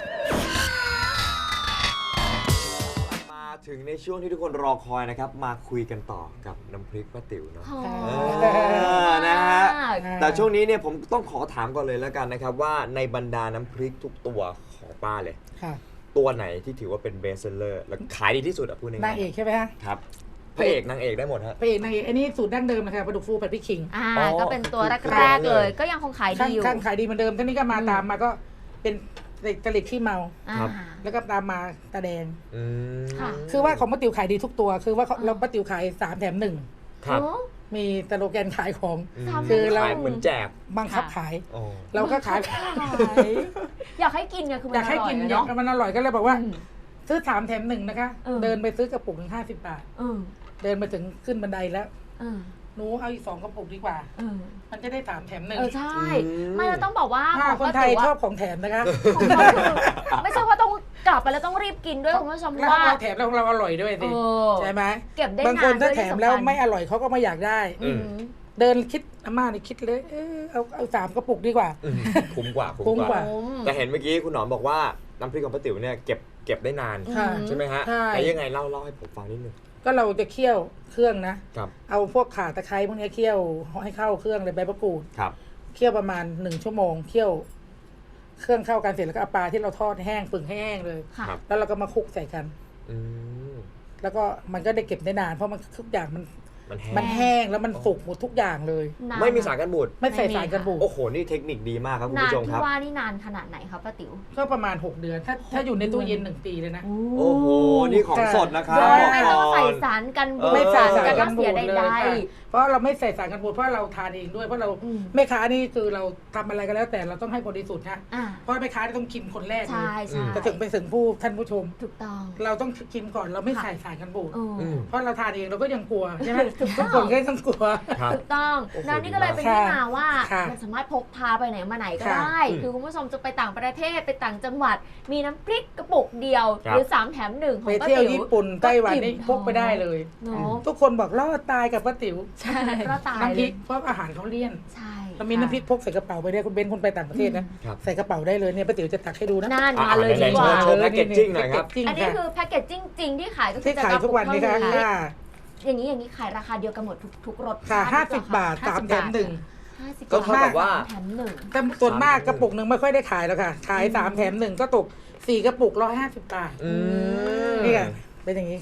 [SPEAKER 3] มาถึงในช่วงที่ทุกคนรอคอยนะครับ มาคุยกันต่อกับน้ำพริกป้าติ๋วเนาะ
[SPEAKER 2] หอ
[SPEAKER 3] เอ
[SPEAKER 2] ม
[SPEAKER 3] อนะฮะ
[SPEAKER 2] มาก
[SPEAKER 3] แต่ช่วงนี้เนี่ยผมต้องขอถามก่อนเลยแล้วกันนะครับว่าในบรรดาน้ำพริกทุกตัวของป้าเลย
[SPEAKER 4] ค่ะ
[SPEAKER 3] ตัวไหนที่ถือว่าเป็นเบสเซลเลอร์และขายดีที่สุดอะพูดง่ายๆ
[SPEAKER 4] นางเอกใช่ไหมฮะ
[SPEAKER 3] ครับพระเอกนางเอกได้หมดฮะ
[SPEAKER 4] พระเอกนางเอกอันนี้สูตรดั้งเดิมนะคะปลาดุกฟูผัดพริกขิง
[SPEAKER 3] อ๋อ
[SPEAKER 2] ก็เป็นตัว
[SPEAKER 3] คือ
[SPEAKER 2] แรก
[SPEAKER 3] แรก
[SPEAKER 2] ๆ
[SPEAKER 3] เลย
[SPEAKER 2] เลย ก็ยังคงขายดีอยู่
[SPEAKER 4] ข้างขายดีเหมือนเดิมท่านี้ก็มาตามมาก็เป็นกะหรี่ขี้เมา
[SPEAKER 3] ครับ
[SPEAKER 4] แล้วก็ตามมาตาแดง
[SPEAKER 3] อืม
[SPEAKER 2] ค่ะ
[SPEAKER 4] คือว่าของป้าติ๋วขายดีทุกตัว คือว่าเราป้าติ๋วขาย3 แถม
[SPEAKER 3] ครับ
[SPEAKER 2] โอ้
[SPEAKER 4] 1 มีสโลแกนขายของ
[SPEAKER 3] ม
[SPEAKER 4] คือเรา
[SPEAKER 3] ขายเหมือนแจก
[SPEAKER 4] บังคับขาย
[SPEAKER 3] อ๋อ
[SPEAKER 4] เราก็ขาย
[SPEAKER 2] อยากให้กินไงคือมั
[SPEAKER 4] อน ยากให้กิน
[SPEAKER 2] อร่อย
[SPEAKER 4] เนาะ
[SPEAKER 2] เนาะ
[SPEAKER 4] มันอร่อยก็เลยบอกว่า
[SPEAKER 2] อืม
[SPEAKER 4] ซื้อ3 แถม 1นะคะ เดินไปซื้อกระปุกหนึ่ง50 บาท
[SPEAKER 2] เออ
[SPEAKER 4] เดินมาถึงขึ้นบันไดแล้ว
[SPEAKER 2] เออ
[SPEAKER 4] หนูเอาอีก2 กระปุกดีกว่า
[SPEAKER 2] เออ
[SPEAKER 4] มันจะได้3 แถม
[SPEAKER 2] ใช่
[SPEAKER 3] อืม
[SPEAKER 2] ไม่เราต้องบอกว่า
[SPEAKER 4] 1ถ้า
[SPEAKER 2] ของ
[SPEAKER 4] คน
[SPEAKER 2] ป้า
[SPEAKER 4] ไทย
[SPEAKER 2] ติ๋ว
[SPEAKER 4] ชอ
[SPEAKER 2] อะ
[SPEAKER 4] บของแถมนะคะ
[SPEAKER 2] ของเขาคือไม่ใช่ว่าต้องกลับไปแล้วต้องรีบกินด้วยคุณผู้ชม
[SPEAKER 4] แล้ว
[SPEAKER 2] ว่า
[SPEAKER 4] เราแถมแล้วเราอร่อยด้วย
[SPEAKER 2] เอ
[SPEAKER 4] สิ
[SPEAKER 2] อ
[SPEAKER 4] ใช่ไหม
[SPEAKER 2] เก็บได้
[SPEAKER 4] บาง
[SPEAKER 2] นา
[SPEAKER 4] คน
[SPEAKER 2] นด้
[SPEAKER 4] ถ้า
[SPEAKER 2] วย
[SPEAKER 4] แถ
[SPEAKER 2] ที่
[SPEAKER 4] ม
[SPEAKER 2] สำคัญ
[SPEAKER 4] แล้วไม่อร่อยเขาก็ไม่อยากได้
[SPEAKER 2] อืม
[SPEAKER 4] เดินคิดอาม่านี่คิดเลยเอา3 กระปุกดีกว่า
[SPEAKER 3] อืมคุ้มกว่า
[SPEAKER 4] คุ้มกว่า
[SPEAKER 3] แต่เห็นเมื่อกี้คุณหนอมบอกว่าน้ำพริกของป้าติ๋วเนี่ยเก็บได้นาน
[SPEAKER 4] ค่ะ
[SPEAKER 3] ใช่ไหมฮะ
[SPEAKER 4] ใช่
[SPEAKER 3] แต่ยังไงเล่าให้ผมฟังนิดนึง
[SPEAKER 4] ก็เราจะเคี่ยวเครื่องนะ
[SPEAKER 3] ครับ
[SPEAKER 4] เอาพวกข่าตะไคร้พวกนี้เคี่ยวให้เข้าเครื่องเลยใบมะกรูด
[SPEAKER 3] ครับ
[SPEAKER 4] เคี่ยวประมาณ1 ชั่วโมงเคี่ยว เครื่องเข้ากันเสร็จแล้วก็เอาปลาที่เราทอดให้แห้งฝึ่งให้แห้งเลย
[SPEAKER 2] ค่ะ
[SPEAKER 3] ครับ
[SPEAKER 4] แล้วเราก็มาคลุกใส่กัน
[SPEAKER 3] อืม
[SPEAKER 4] แล้วก็มันก็ได้เก็บได้นานเพราะมันทุกอย่างมัน
[SPEAKER 3] มันแห้
[SPEAKER 4] มัน
[SPEAKER 3] ง
[SPEAKER 4] แห้งแล้วมันสุกหมดทุกอย่างเลย
[SPEAKER 2] นาน
[SPEAKER 3] ไม่มีสารกันบูด
[SPEAKER 4] ไม่ใส่สารกันบูด
[SPEAKER 3] โอ้โห นี่เทคนิคดีมากครับคุณ
[SPEAKER 2] นาน
[SPEAKER 3] ผู้ชมค
[SPEAKER 2] ที่
[SPEAKER 3] รับ
[SPEAKER 2] ว่านี่นานขนาดไหนคะป้าติ๋ว
[SPEAKER 4] ก็ประมาณ6 เดือน ถ้าอยู่ในตู้เย็น1 ปีเลยนะ
[SPEAKER 3] โอ้โห นี่ของสดนะครับ
[SPEAKER 2] โดย
[SPEAKER 3] บอก
[SPEAKER 2] ไม่
[SPEAKER 3] ก่
[SPEAKER 2] ต้อง
[SPEAKER 3] อ
[SPEAKER 2] ใส่
[SPEAKER 3] น
[SPEAKER 2] สารกันบูด
[SPEAKER 4] ไม่ใส่สาร
[SPEAKER 2] กั
[SPEAKER 4] กัน น
[SPEAKER 2] เสี
[SPEAKER 4] บู
[SPEAKER 2] ย
[SPEAKER 4] ด
[SPEAKER 2] ใด
[SPEAKER 4] เลยค่ะเพราะเราไม่ใส่สารกันบูดเพราะเราทานเองด้วยเพราะเรา
[SPEAKER 2] อืม
[SPEAKER 4] แม่ค้านี่คือเราทำอะไรก็แล้วแต่เราต้องให้บริสุทธิ์นะ
[SPEAKER 2] อ่า
[SPEAKER 4] เพราะแม่ค้าต้องชิมคนแรกเล
[SPEAKER 2] ใช่
[SPEAKER 4] ย
[SPEAKER 2] ใช่
[SPEAKER 4] จะถึงไปถึงท่านผู้ชม
[SPEAKER 2] ถูกต้อง
[SPEAKER 4] เราต้องชิมก่อนเราไม่ใส่สารกันบูด
[SPEAKER 2] เออ
[SPEAKER 3] อืม
[SPEAKER 4] เพราะเราทานเองเราก็ยังกลัวใช่ไหม
[SPEAKER 2] ถูกต้
[SPEAKER 4] ทุ
[SPEAKER 2] อก ง
[SPEAKER 4] คนก็ต้องกลัว
[SPEAKER 3] ครับ
[SPEAKER 2] ถูกต้อง
[SPEAKER 3] โอ้โห
[SPEAKER 2] แล้วนี่ก็เลยเป็น
[SPEAKER 4] ค่ะ
[SPEAKER 2] ที่มาว่า
[SPEAKER 4] ค่ะ
[SPEAKER 2] มันสามารถพกพาไปไหนมาไหนก็
[SPEAKER 4] ค่ะ
[SPEAKER 2] ได้ คือคุณผู้ชมจะไปต่างประเทศไปต่างจังหวัด มีน้ำพริกกระปุกเดียว
[SPEAKER 3] ครับ
[SPEAKER 2] หรือ3 แถม 1 ของ
[SPEAKER 4] ไป
[SPEAKER 2] ป้า
[SPEAKER 4] เที่ยว
[SPEAKER 2] ติ๋ว
[SPEAKER 4] ญี่ปุ่นไต้หวันนี่พกไปได้เลย
[SPEAKER 2] เนาะ
[SPEAKER 4] ทุกคนบอกรอดตายกับป้าติ๋ว
[SPEAKER 2] ใช่ก็ตาย
[SPEAKER 4] น้ำพ
[SPEAKER 2] เล
[SPEAKER 4] ริ
[SPEAKER 2] ย
[SPEAKER 4] กเพราะอาหารเขาเลี่ยน
[SPEAKER 2] ใช่
[SPEAKER 4] เรามีน้ำพริกพกใส่กระเป๋าไปได้คุณเบนคุณไปต่างประเทศนะครับ ใส่กระเป๋าได้เลยเนี่ยป้าติ๋วจะตักให้ดูนะ
[SPEAKER 2] น่าน
[SPEAKER 3] อ่ะ
[SPEAKER 2] มาเลย
[SPEAKER 3] ไหน
[SPEAKER 2] ดี
[SPEAKER 3] ๆ
[SPEAKER 2] กว่า
[SPEAKER 3] โชว์แพ็กเกจจิ้งหน่อยครับ
[SPEAKER 4] จริง
[SPEAKER 2] อันนี้
[SPEAKER 4] ค่ะ
[SPEAKER 2] คือแพ็กเกจจิ้งจริงที่ขายก็คื
[SPEAKER 4] ที่
[SPEAKER 2] จะ
[SPEAKER 4] ขายทุกวันนี้ค่ะ
[SPEAKER 2] เท่านี้
[SPEAKER 4] ค่ะ
[SPEAKER 2] อย่างนี้ขายราคาเดียวกันหมดทุกรส
[SPEAKER 4] ค่ะ
[SPEAKER 2] ชาติ
[SPEAKER 4] 50 บาท 3 แถม 1
[SPEAKER 2] 50
[SPEAKER 3] ก็เท่ากับว่า
[SPEAKER 2] แถมหนึ่ง
[SPEAKER 4] แต่ส่วนมากกระปุกหนึ่งไม่ค่อยได้ขายแล้วค่ะ ขาย 3 แถม 1 ก็ตก 4 กระปุก150 บาท
[SPEAKER 3] อืม
[SPEAKER 4] นี่ค่ะเป็นอย่างนี้ค่ะ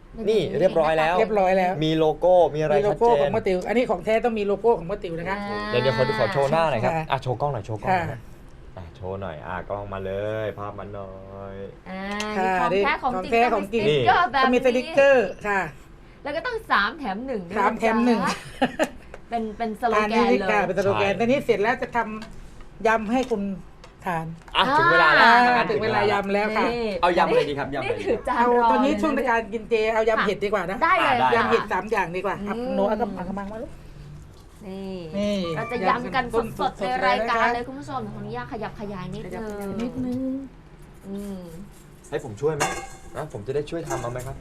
[SPEAKER 3] นี่เรียบร้อยแล้ว
[SPEAKER 4] เรียบร้อยแล้ว
[SPEAKER 3] มีโลโก้มีอะไร
[SPEAKER 4] มีโล
[SPEAKER 3] ชัด
[SPEAKER 4] โก้
[SPEAKER 3] เจ
[SPEAKER 4] ของ
[SPEAKER 3] น
[SPEAKER 4] ป้าติ๋วอันนี้ของแท้ต้องมีโลโก้ของป้าติ๋วนะคะ
[SPEAKER 3] เดี๋ยวขอโชว์หน้าหน่อยครับ
[SPEAKER 4] ค่ะ
[SPEAKER 3] อ่ะโชว์กล้องหน่อยโชว์กล้องหน่อย
[SPEAKER 4] ค่ะ
[SPEAKER 3] โชว์หน่อยกล้องมาเลยภาพมันหน่อย
[SPEAKER 2] นี่ของแท้ของจริง
[SPEAKER 4] ของแท้ของจริง
[SPEAKER 2] ต้องมีสติ๊กเกอร์แบบ
[SPEAKER 4] ก็มีสติกเกอ
[SPEAKER 2] นี้
[SPEAKER 4] ร์ค่ะ
[SPEAKER 2] แล้วก็ต้อง3 แถม 1ด้วย
[SPEAKER 4] 3 แถม 1
[SPEAKER 2] เป็นสโล
[SPEAKER 4] อัน
[SPEAKER 2] แก
[SPEAKER 4] นี้
[SPEAKER 2] นเล
[SPEAKER 4] ค่ะ
[SPEAKER 2] ย
[SPEAKER 4] เป็นสโลแกนตอนนี้เสร็จแล้วจะทำยำให้คุณทาน
[SPEAKER 3] ถึงเวลาแล้ว
[SPEAKER 4] ถึงเวลายำแล้วค่ะ
[SPEAKER 2] นี่
[SPEAKER 3] เอายำอะไรดีครับยำอะไร
[SPEAKER 2] นี่
[SPEAKER 3] ดี
[SPEAKER 2] ถือจาน
[SPEAKER 4] เอา
[SPEAKER 2] รอ
[SPEAKER 4] ตอนนี้
[SPEAKER 2] เลยะ
[SPEAKER 4] ช่วงในการกินเจเอายำเห็ดดีกว่านะ
[SPEAKER 2] ได้เลย
[SPEAKER 3] ได้
[SPEAKER 2] ค่ะ
[SPEAKER 4] ยำเห็ด3 อย่างดีกว่าครับ
[SPEAKER 2] อืม
[SPEAKER 4] โน้ตเอากระมังมาลูก
[SPEAKER 2] นี่
[SPEAKER 4] นี่
[SPEAKER 2] เราจะย้ำกันสดๆในรายการเลย
[SPEAKER 4] นะคะ
[SPEAKER 2] คุณผู้ชมขออนุญาตขยับขยายนิด
[SPEAKER 4] ขยับ
[SPEAKER 2] นึ
[SPEAKER 4] ขยาย
[SPEAKER 2] ง
[SPEAKER 4] นิดนึง
[SPEAKER 2] อืม
[SPEAKER 3] ให้ผมช่วยไหมผมจะได้ช่วยทำเอาไหมครับ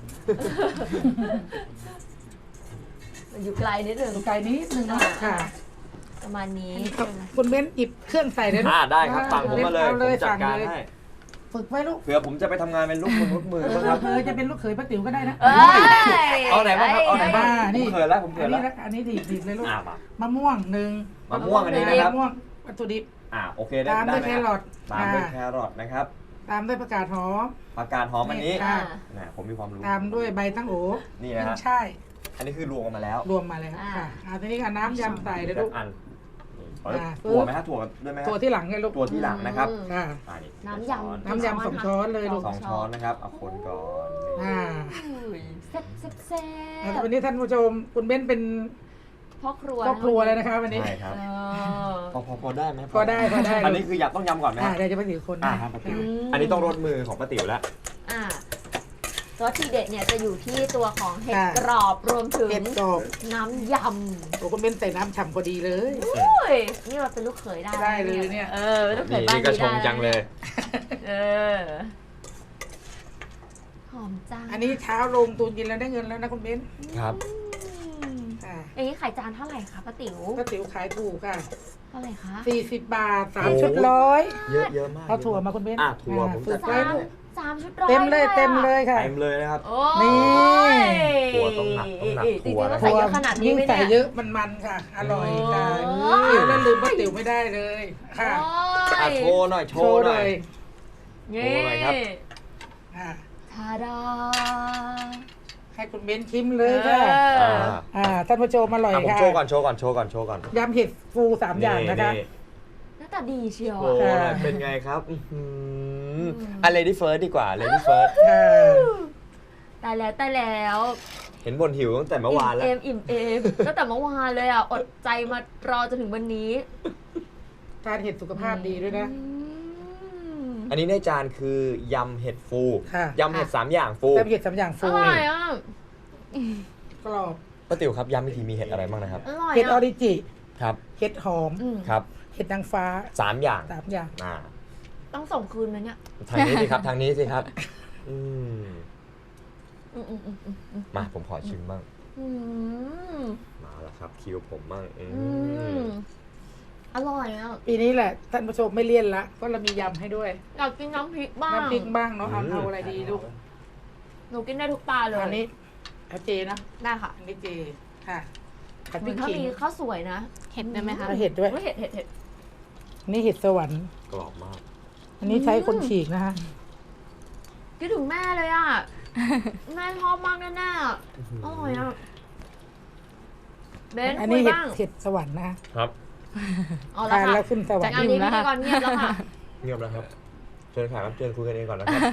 [SPEAKER 2] อยู่ไกลนิดนึง
[SPEAKER 4] ตรงไกลนิดนึงนะค่ะ
[SPEAKER 2] ประมาณนี้
[SPEAKER 4] คุณเบ้นหยิบเครื่องใส่เลยลูก
[SPEAKER 3] ได้ครับสั่งผมมาเลย
[SPEAKER 4] เอา
[SPEAKER 3] ผ
[SPEAKER 4] เลย
[SPEAKER 3] มจัดการ
[SPEAKER 4] สั่งเลย
[SPEAKER 3] ให้
[SPEAKER 4] ฝึกไว้ลูก
[SPEAKER 3] เผื่อผมจะไปทำงานเป็นลูกมือบ้างครับ
[SPEAKER 4] จะเป็นลูกเขยป้าติ๋วก็ได้นะ
[SPEAKER 2] เอ้ย
[SPEAKER 3] เอาไหนบ้างครับเอาไหนบ้าง
[SPEAKER 4] นี่
[SPEAKER 3] ผมเขินแล้วผมเขิ
[SPEAKER 4] อั
[SPEAKER 3] น
[SPEAKER 4] น
[SPEAKER 3] แล้
[SPEAKER 4] นี้
[SPEAKER 3] ว
[SPEAKER 4] อันนี้ดีดเลยลูก
[SPEAKER 3] มาม
[SPEAKER 4] ะม่วง1
[SPEAKER 3] มะม่วงอันนี้นะครับ
[SPEAKER 4] มะม่วงวัตถุดิบ
[SPEAKER 3] โอเคได้
[SPEAKER 4] ตามด้วย
[SPEAKER 3] ไห
[SPEAKER 4] แค
[SPEAKER 3] ม
[SPEAKER 4] รอท
[SPEAKER 3] ตามด้วยแครอทนะครับ
[SPEAKER 4] ตามด้วยผักกาดหอม
[SPEAKER 3] ผักกาดหอมอันนี้
[SPEAKER 4] ค่ะ
[SPEAKER 3] ผมมีความรู้
[SPEAKER 4] ตามด้วยใบตั้งโอ
[SPEAKER 3] นี่นะฮะ
[SPEAKER 4] ขึ้นช่าย
[SPEAKER 3] อันนี้คือรวมกันมาแล้ว
[SPEAKER 4] รวมมาเลยค่ะทีนี้ก็น้ำยำใส่เลยลูก
[SPEAKER 3] อัน
[SPEAKER 4] อ่า
[SPEAKER 3] ถั่วไหมฮะถั่วด้วยไหมฮะ
[SPEAKER 4] ตัวที่หลังไงลูก
[SPEAKER 3] ตัวที่หลังนะครับ
[SPEAKER 4] ค่ะ
[SPEAKER 3] นี่
[SPEAKER 2] น้ำยำ
[SPEAKER 4] น้ำยำ2 ช้อนเลยลูก
[SPEAKER 3] สองช้อนนะครับเอาคนก่อน
[SPEAKER 2] แซ่บแซ่บแซ่
[SPEAKER 4] วันนี้ท่านผู้ชมคุณเบ้นเป็น
[SPEAKER 2] พ่อครัว
[SPEAKER 4] ครอบครัวเลยนะคะวันนี้
[SPEAKER 3] ใช่ครับ
[SPEAKER 2] เออ
[SPEAKER 3] พอได้ไหม
[SPEAKER 4] พอได้
[SPEAKER 3] อันนี้คืออยากต้องยำก่อนไหมฮะ
[SPEAKER 4] เดี๋ยวจะไปถือคน
[SPEAKER 3] ครับป้าติ๋วอันนี้ต้องรสมือของป้าติ๋วแล้ว
[SPEAKER 2] อ่ะรสทีเด็ดเนี่ยจะอยู่ที่ตัวของเห็ด
[SPEAKER 4] ค่ะ
[SPEAKER 2] กรอบรวมถึง
[SPEAKER 4] เห็ดกรอบ
[SPEAKER 2] น้ำย
[SPEAKER 4] โอ้คุณเบ้นใส่น้ำฉ่ำพอดีเลย
[SPEAKER 2] ำอุ้ยนี่เราเป็นลูกเขยได้
[SPEAKER 4] ได้เลยเนี่ย
[SPEAKER 2] เออเป็นลูกเขยบ้าน
[SPEAKER 3] นี่ก็ชงจังเลย
[SPEAKER 2] เออหอมจัง
[SPEAKER 4] อันนี้เช้าลงตูนเย็นแล้วได้เงินแล้วนะคุณเบ้น
[SPEAKER 3] ครับ
[SPEAKER 2] อืม
[SPEAKER 4] ค่ะ
[SPEAKER 2] อย่างนี้ไข่จานเท่าไหร่คะป้าติ๋ว
[SPEAKER 4] ป้าติ๋วขายถูกค่ะ
[SPEAKER 2] เท่าไหร่คะ
[SPEAKER 4] 40 บาท
[SPEAKER 3] โอ้
[SPEAKER 4] 3 ชุดร้อย
[SPEAKER 3] เยอะมาก
[SPEAKER 4] เอาถั่วมาคุณเบ้น
[SPEAKER 3] ถั่วผม
[SPEAKER 4] ฝึ
[SPEAKER 3] จั
[SPEAKER 4] ก
[SPEAKER 3] ด
[SPEAKER 4] ไว้
[SPEAKER 3] การ
[SPEAKER 4] ลูก
[SPEAKER 2] สามชุดร้อย
[SPEAKER 4] เต็มเลย
[SPEAKER 2] อะ
[SPEAKER 4] เต็มเลยค่ะ
[SPEAKER 3] เต็มเลยนะครับ
[SPEAKER 2] โอ้
[SPEAKER 4] นี่
[SPEAKER 2] ย
[SPEAKER 3] ถั่วต้องหนักถั่ว
[SPEAKER 2] จริงๆต้องใส่เยอะขนาดนี้
[SPEAKER 4] ยิ่ง
[SPEAKER 2] ไหม
[SPEAKER 4] ใส่
[SPEAKER 2] เนี่ย
[SPEAKER 4] เยอะมันค่ะ อร่อยค่ะ
[SPEAKER 2] โอ้
[SPEAKER 4] เดี๋ยวแล้วลืมป้าติ๋วไม่ได้เลยค่ะ
[SPEAKER 2] โอ้ย
[SPEAKER 3] โชว์หน่อยโชว์หน่อย
[SPEAKER 2] นี่
[SPEAKER 3] โชว์หน่อยครับ
[SPEAKER 4] ค่ะ
[SPEAKER 2] ทาดา
[SPEAKER 4] ให้คุณเบ้นชิมเลยค่ะ ท่านผู้ชมอร่อย
[SPEAKER 3] ผม
[SPEAKER 4] ค่ะ
[SPEAKER 3] โชว์ก่อนโชว์ก่อน
[SPEAKER 4] ยำเห็ดฟู3 อย่างนะคะ
[SPEAKER 2] หน้าตาดีเชียว
[SPEAKER 3] โอ้
[SPEAKER 2] อะ
[SPEAKER 3] ยเป็นไงครับLady First ดีกว่า Lady First
[SPEAKER 4] ค่ะ
[SPEAKER 2] ตายแล้ว
[SPEAKER 3] เห็นบ่นหิวตั้งแต่เมื่อวานแล้ว
[SPEAKER 2] อิ่มเอมตั้งแต่เมื่อวานเลยอ่ะ อดใจมารอจนถึงวันนี้
[SPEAKER 4] ทานเห็ดสุขภาพดีด้วยนะ
[SPEAKER 3] อันนี้ในจานคือยำเห็ดฟู
[SPEAKER 4] ค่ะ
[SPEAKER 3] ยำเห็ด3 อย่างฟู
[SPEAKER 4] ยำเห็ด3 อย่าง
[SPEAKER 2] อ
[SPEAKER 4] ฟู
[SPEAKER 2] ร่อยอ่ะ
[SPEAKER 4] กรอบ
[SPEAKER 3] ป้าติ๋วครับยำวิธีมีเห็ดอะไรบ้างนะครับ
[SPEAKER 2] อร่อย
[SPEAKER 4] เห็ดออ
[SPEAKER 2] อ่ะ
[SPEAKER 4] ริจิ
[SPEAKER 3] ครับ
[SPEAKER 4] เห็ดหอม
[SPEAKER 2] อืม
[SPEAKER 3] ครับ
[SPEAKER 4] เห็ดนางฟ้า
[SPEAKER 3] 3 อย่าง
[SPEAKER 4] 3 อย่าง
[SPEAKER 2] ต้องส่งคืนไหมเนี่ย
[SPEAKER 3] ทางนี้สิครับทางนี้สิครับอืม
[SPEAKER 2] อืม
[SPEAKER 3] มาผมขอชิมบ้าง
[SPEAKER 2] อืม
[SPEAKER 3] มาแล้วครับคิวผมบ้าง
[SPEAKER 2] อืมอร่อยอ่ะ
[SPEAKER 4] ปีนี้แหละท่านผู้ชมไม่เลี่ยนละเพราะเรามียำให้ด้วย
[SPEAKER 2] อยากกินน้ำพริกบ้าง
[SPEAKER 4] น้ำพริกบ้างเนาะเอาอะไรดีลูก
[SPEAKER 2] หนูกินได้ทุกปลาเลย
[SPEAKER 4] อันนี้เอาเจนะ
[SPEAKER 2] ได้ค่ะ
[SPEAKER 4] อันนี้เจค่ะผัดพ
[SPEAKER 2] มั
[SPEAKER 4] ริ
[SPEAKER 2] น
[SPEAKER 4] ก
[SPEAKER 2] ถ้า
[SPEAKER 4] ขิง
[SPEAKER 2] มีข้าวสวยนะ
[SPEAKER 5] เห็ดได้ไหมคะ
[SPEAKER 4] เอาเห็ดด้วย
[SPEAKER 2] เห็ด
[SPEAKER 4] อันนี่เห็ดสวรรค์
[SPEAKER 3] กรอบมาก
[SPEAKER 4] อันนี้ใช้คนฉีกนะคะ
[SPEAKER 2] คิดถึงแม่เลยอ่ะ แม่ชอบมากแน่ๆอะอร่อยอ่ะเบน
[SPEAKER 4] อัน
[SPEAKER 2] คุ
[SPEAKER 4] นี้
[SPEAKER 2] ย
[SPEAKER 4] เห็ด
[SPEAKER 2] บ้าง
[SPEAKER 4] เห็ดสวรรค์นะคะ
[SPEAKER 3] ครับ
[SPEAKER 2] เอาละ
[SPEAKER 4] ทาน
[SPEAKER 2] ค่ะ
[SPEAKER 4] แล้วขึ้นสวรรค์
[SPEAKER 2] งานนี้พิธีกรเงียบแล้วค่ะ
[SPEAKER 3] เงียบแล้วครับเชิญค่ะครับเชิญคุยกันเองก่อนนะครับ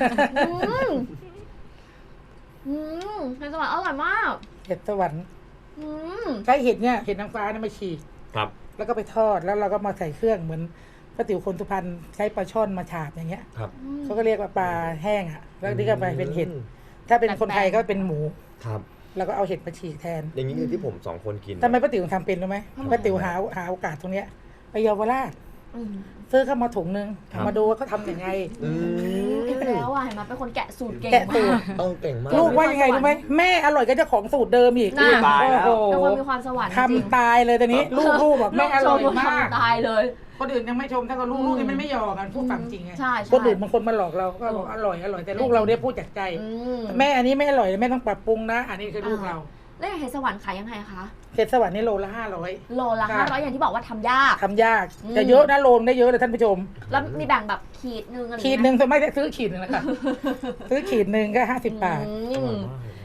[SPEAKER 2] เป็นสวัสดิ์อร่อยมาก
[SPEAKER 4] เห็ดสวรรค์
[SPEAKER 2] อืม
[SPEAKER 4] ใช้เห็ดเนี่ยเห็ดนางฟ้าเนี่ยมาฉีก
[SPEAKER 3] ครับ
[SPEAKER 4] แล้วก็ไปทอดแล้วเราก็มาใส่เครื่องเหมือนป้าติ๋วคนสุพรรณใช้ปลาช่อนมาฉาบอย่างเงี้ย
[SPEAKER 3] ครับ
[SPEAKER 4] เขาก็เรียกว่าปลาแห้งอ่ะแล้วนี่ก็ไปเป็นเห็ด ถ้าเป็นคนไทยก็เป็นหมู
[SPEAKER 3] ครับ
[SPEAKER 4] แล้วก็เอาเห็ดมาฉีกแทน
[SPEAKER 3] อย่างนี้คือที่ผม2 คนกิน
[SPEAKER 4] ทำไมป้าติ๋วทำเป็นรู้ไหมป้าติ๋วหาโอกาสตรงเนี้ยไปเยาวราช
[SPEAKER 2] อืม
[SPEAKER 4] ซื้อเข้ามาถุงนึงมาดูว่าเขาทำยังไง
[SPEAKER 3] อืม
[SPEAKER 2] อีกแล้วอ่ะเห็นไหมเป็นคนแกะสูตรเก่ง
[SPEAKER 4] แกะสู
[SPEAKER 2] มา
[SPEAKER 4] ตร
[SPEAKER 2] ก
[SPEAKER 3] เก่งมาก
[SPEAKER 4] ลูกว่ายังไงรู้ไหมแม่อร่อยก็เจ้าของสูตรเดิมอีก
[SPEAKER 2] น่ะ
[SPEAKER 3] ตายแล้ว
[SPEAKER 4] โอ้โห
[SPEAKER 2] เป็นคนมีความสวรรค์จริง
[SPEAKER 4] ทำตายเลยตอนนี้ ลูกบอกแม่อร่อยมาก
[SPEAKER 2] ตายเลย
[SPEAKER 4] คนอื่นยังไม่ชมถ้าก็ลูกนี่มันไม่ยอมกันพูดความจริงไง
[SPEAKER 2] ใช่
[SPEAKER 4] คนอื่นบางคนมาหลอกเราก็บอกอร่อยแต่ลูกเราเนี่ยพูดจากใจ
[SPEAKER 2] อืม
[SPEAKER 4] แม่อันนี้ไม่อร่อยแม่ต้องปรับปรุงนะ อันนี้คือลูกเรา
[SPEAKER 2] แล้วอย่างเห็ดสวรรค์ขายยังไงคะ
[SPEAKER 4] เห็ดสวรรค์นี่โลละ500
[SPEAKER 2] โลละ
[SPEAKER 4] ค่ะ
[SPEAKER 2] 500อย่างที่บอกว่าทำยาก
[SPEAKER 4] ทำยาก
[SPEAKER 2] อืม
[SPEAKER 4] จะเยอะนะโลนได้เยอะเลยท่านผู้ชม
[SPEAKER 2] แล้วมีแบ่งแบบขีดนึงอะไร
[SPEAKER 4] ขีดหนึ่งส่วนมากจะซื้อขีดหนึ่งแหละค่ะ ซื้อขีดหนึ่งก็50 บาท
[SPEAKER 2] อื
[SPEAKER 3] อร่อ
[SPEAKER 2] ม
[SPEAKER 3] ยมาก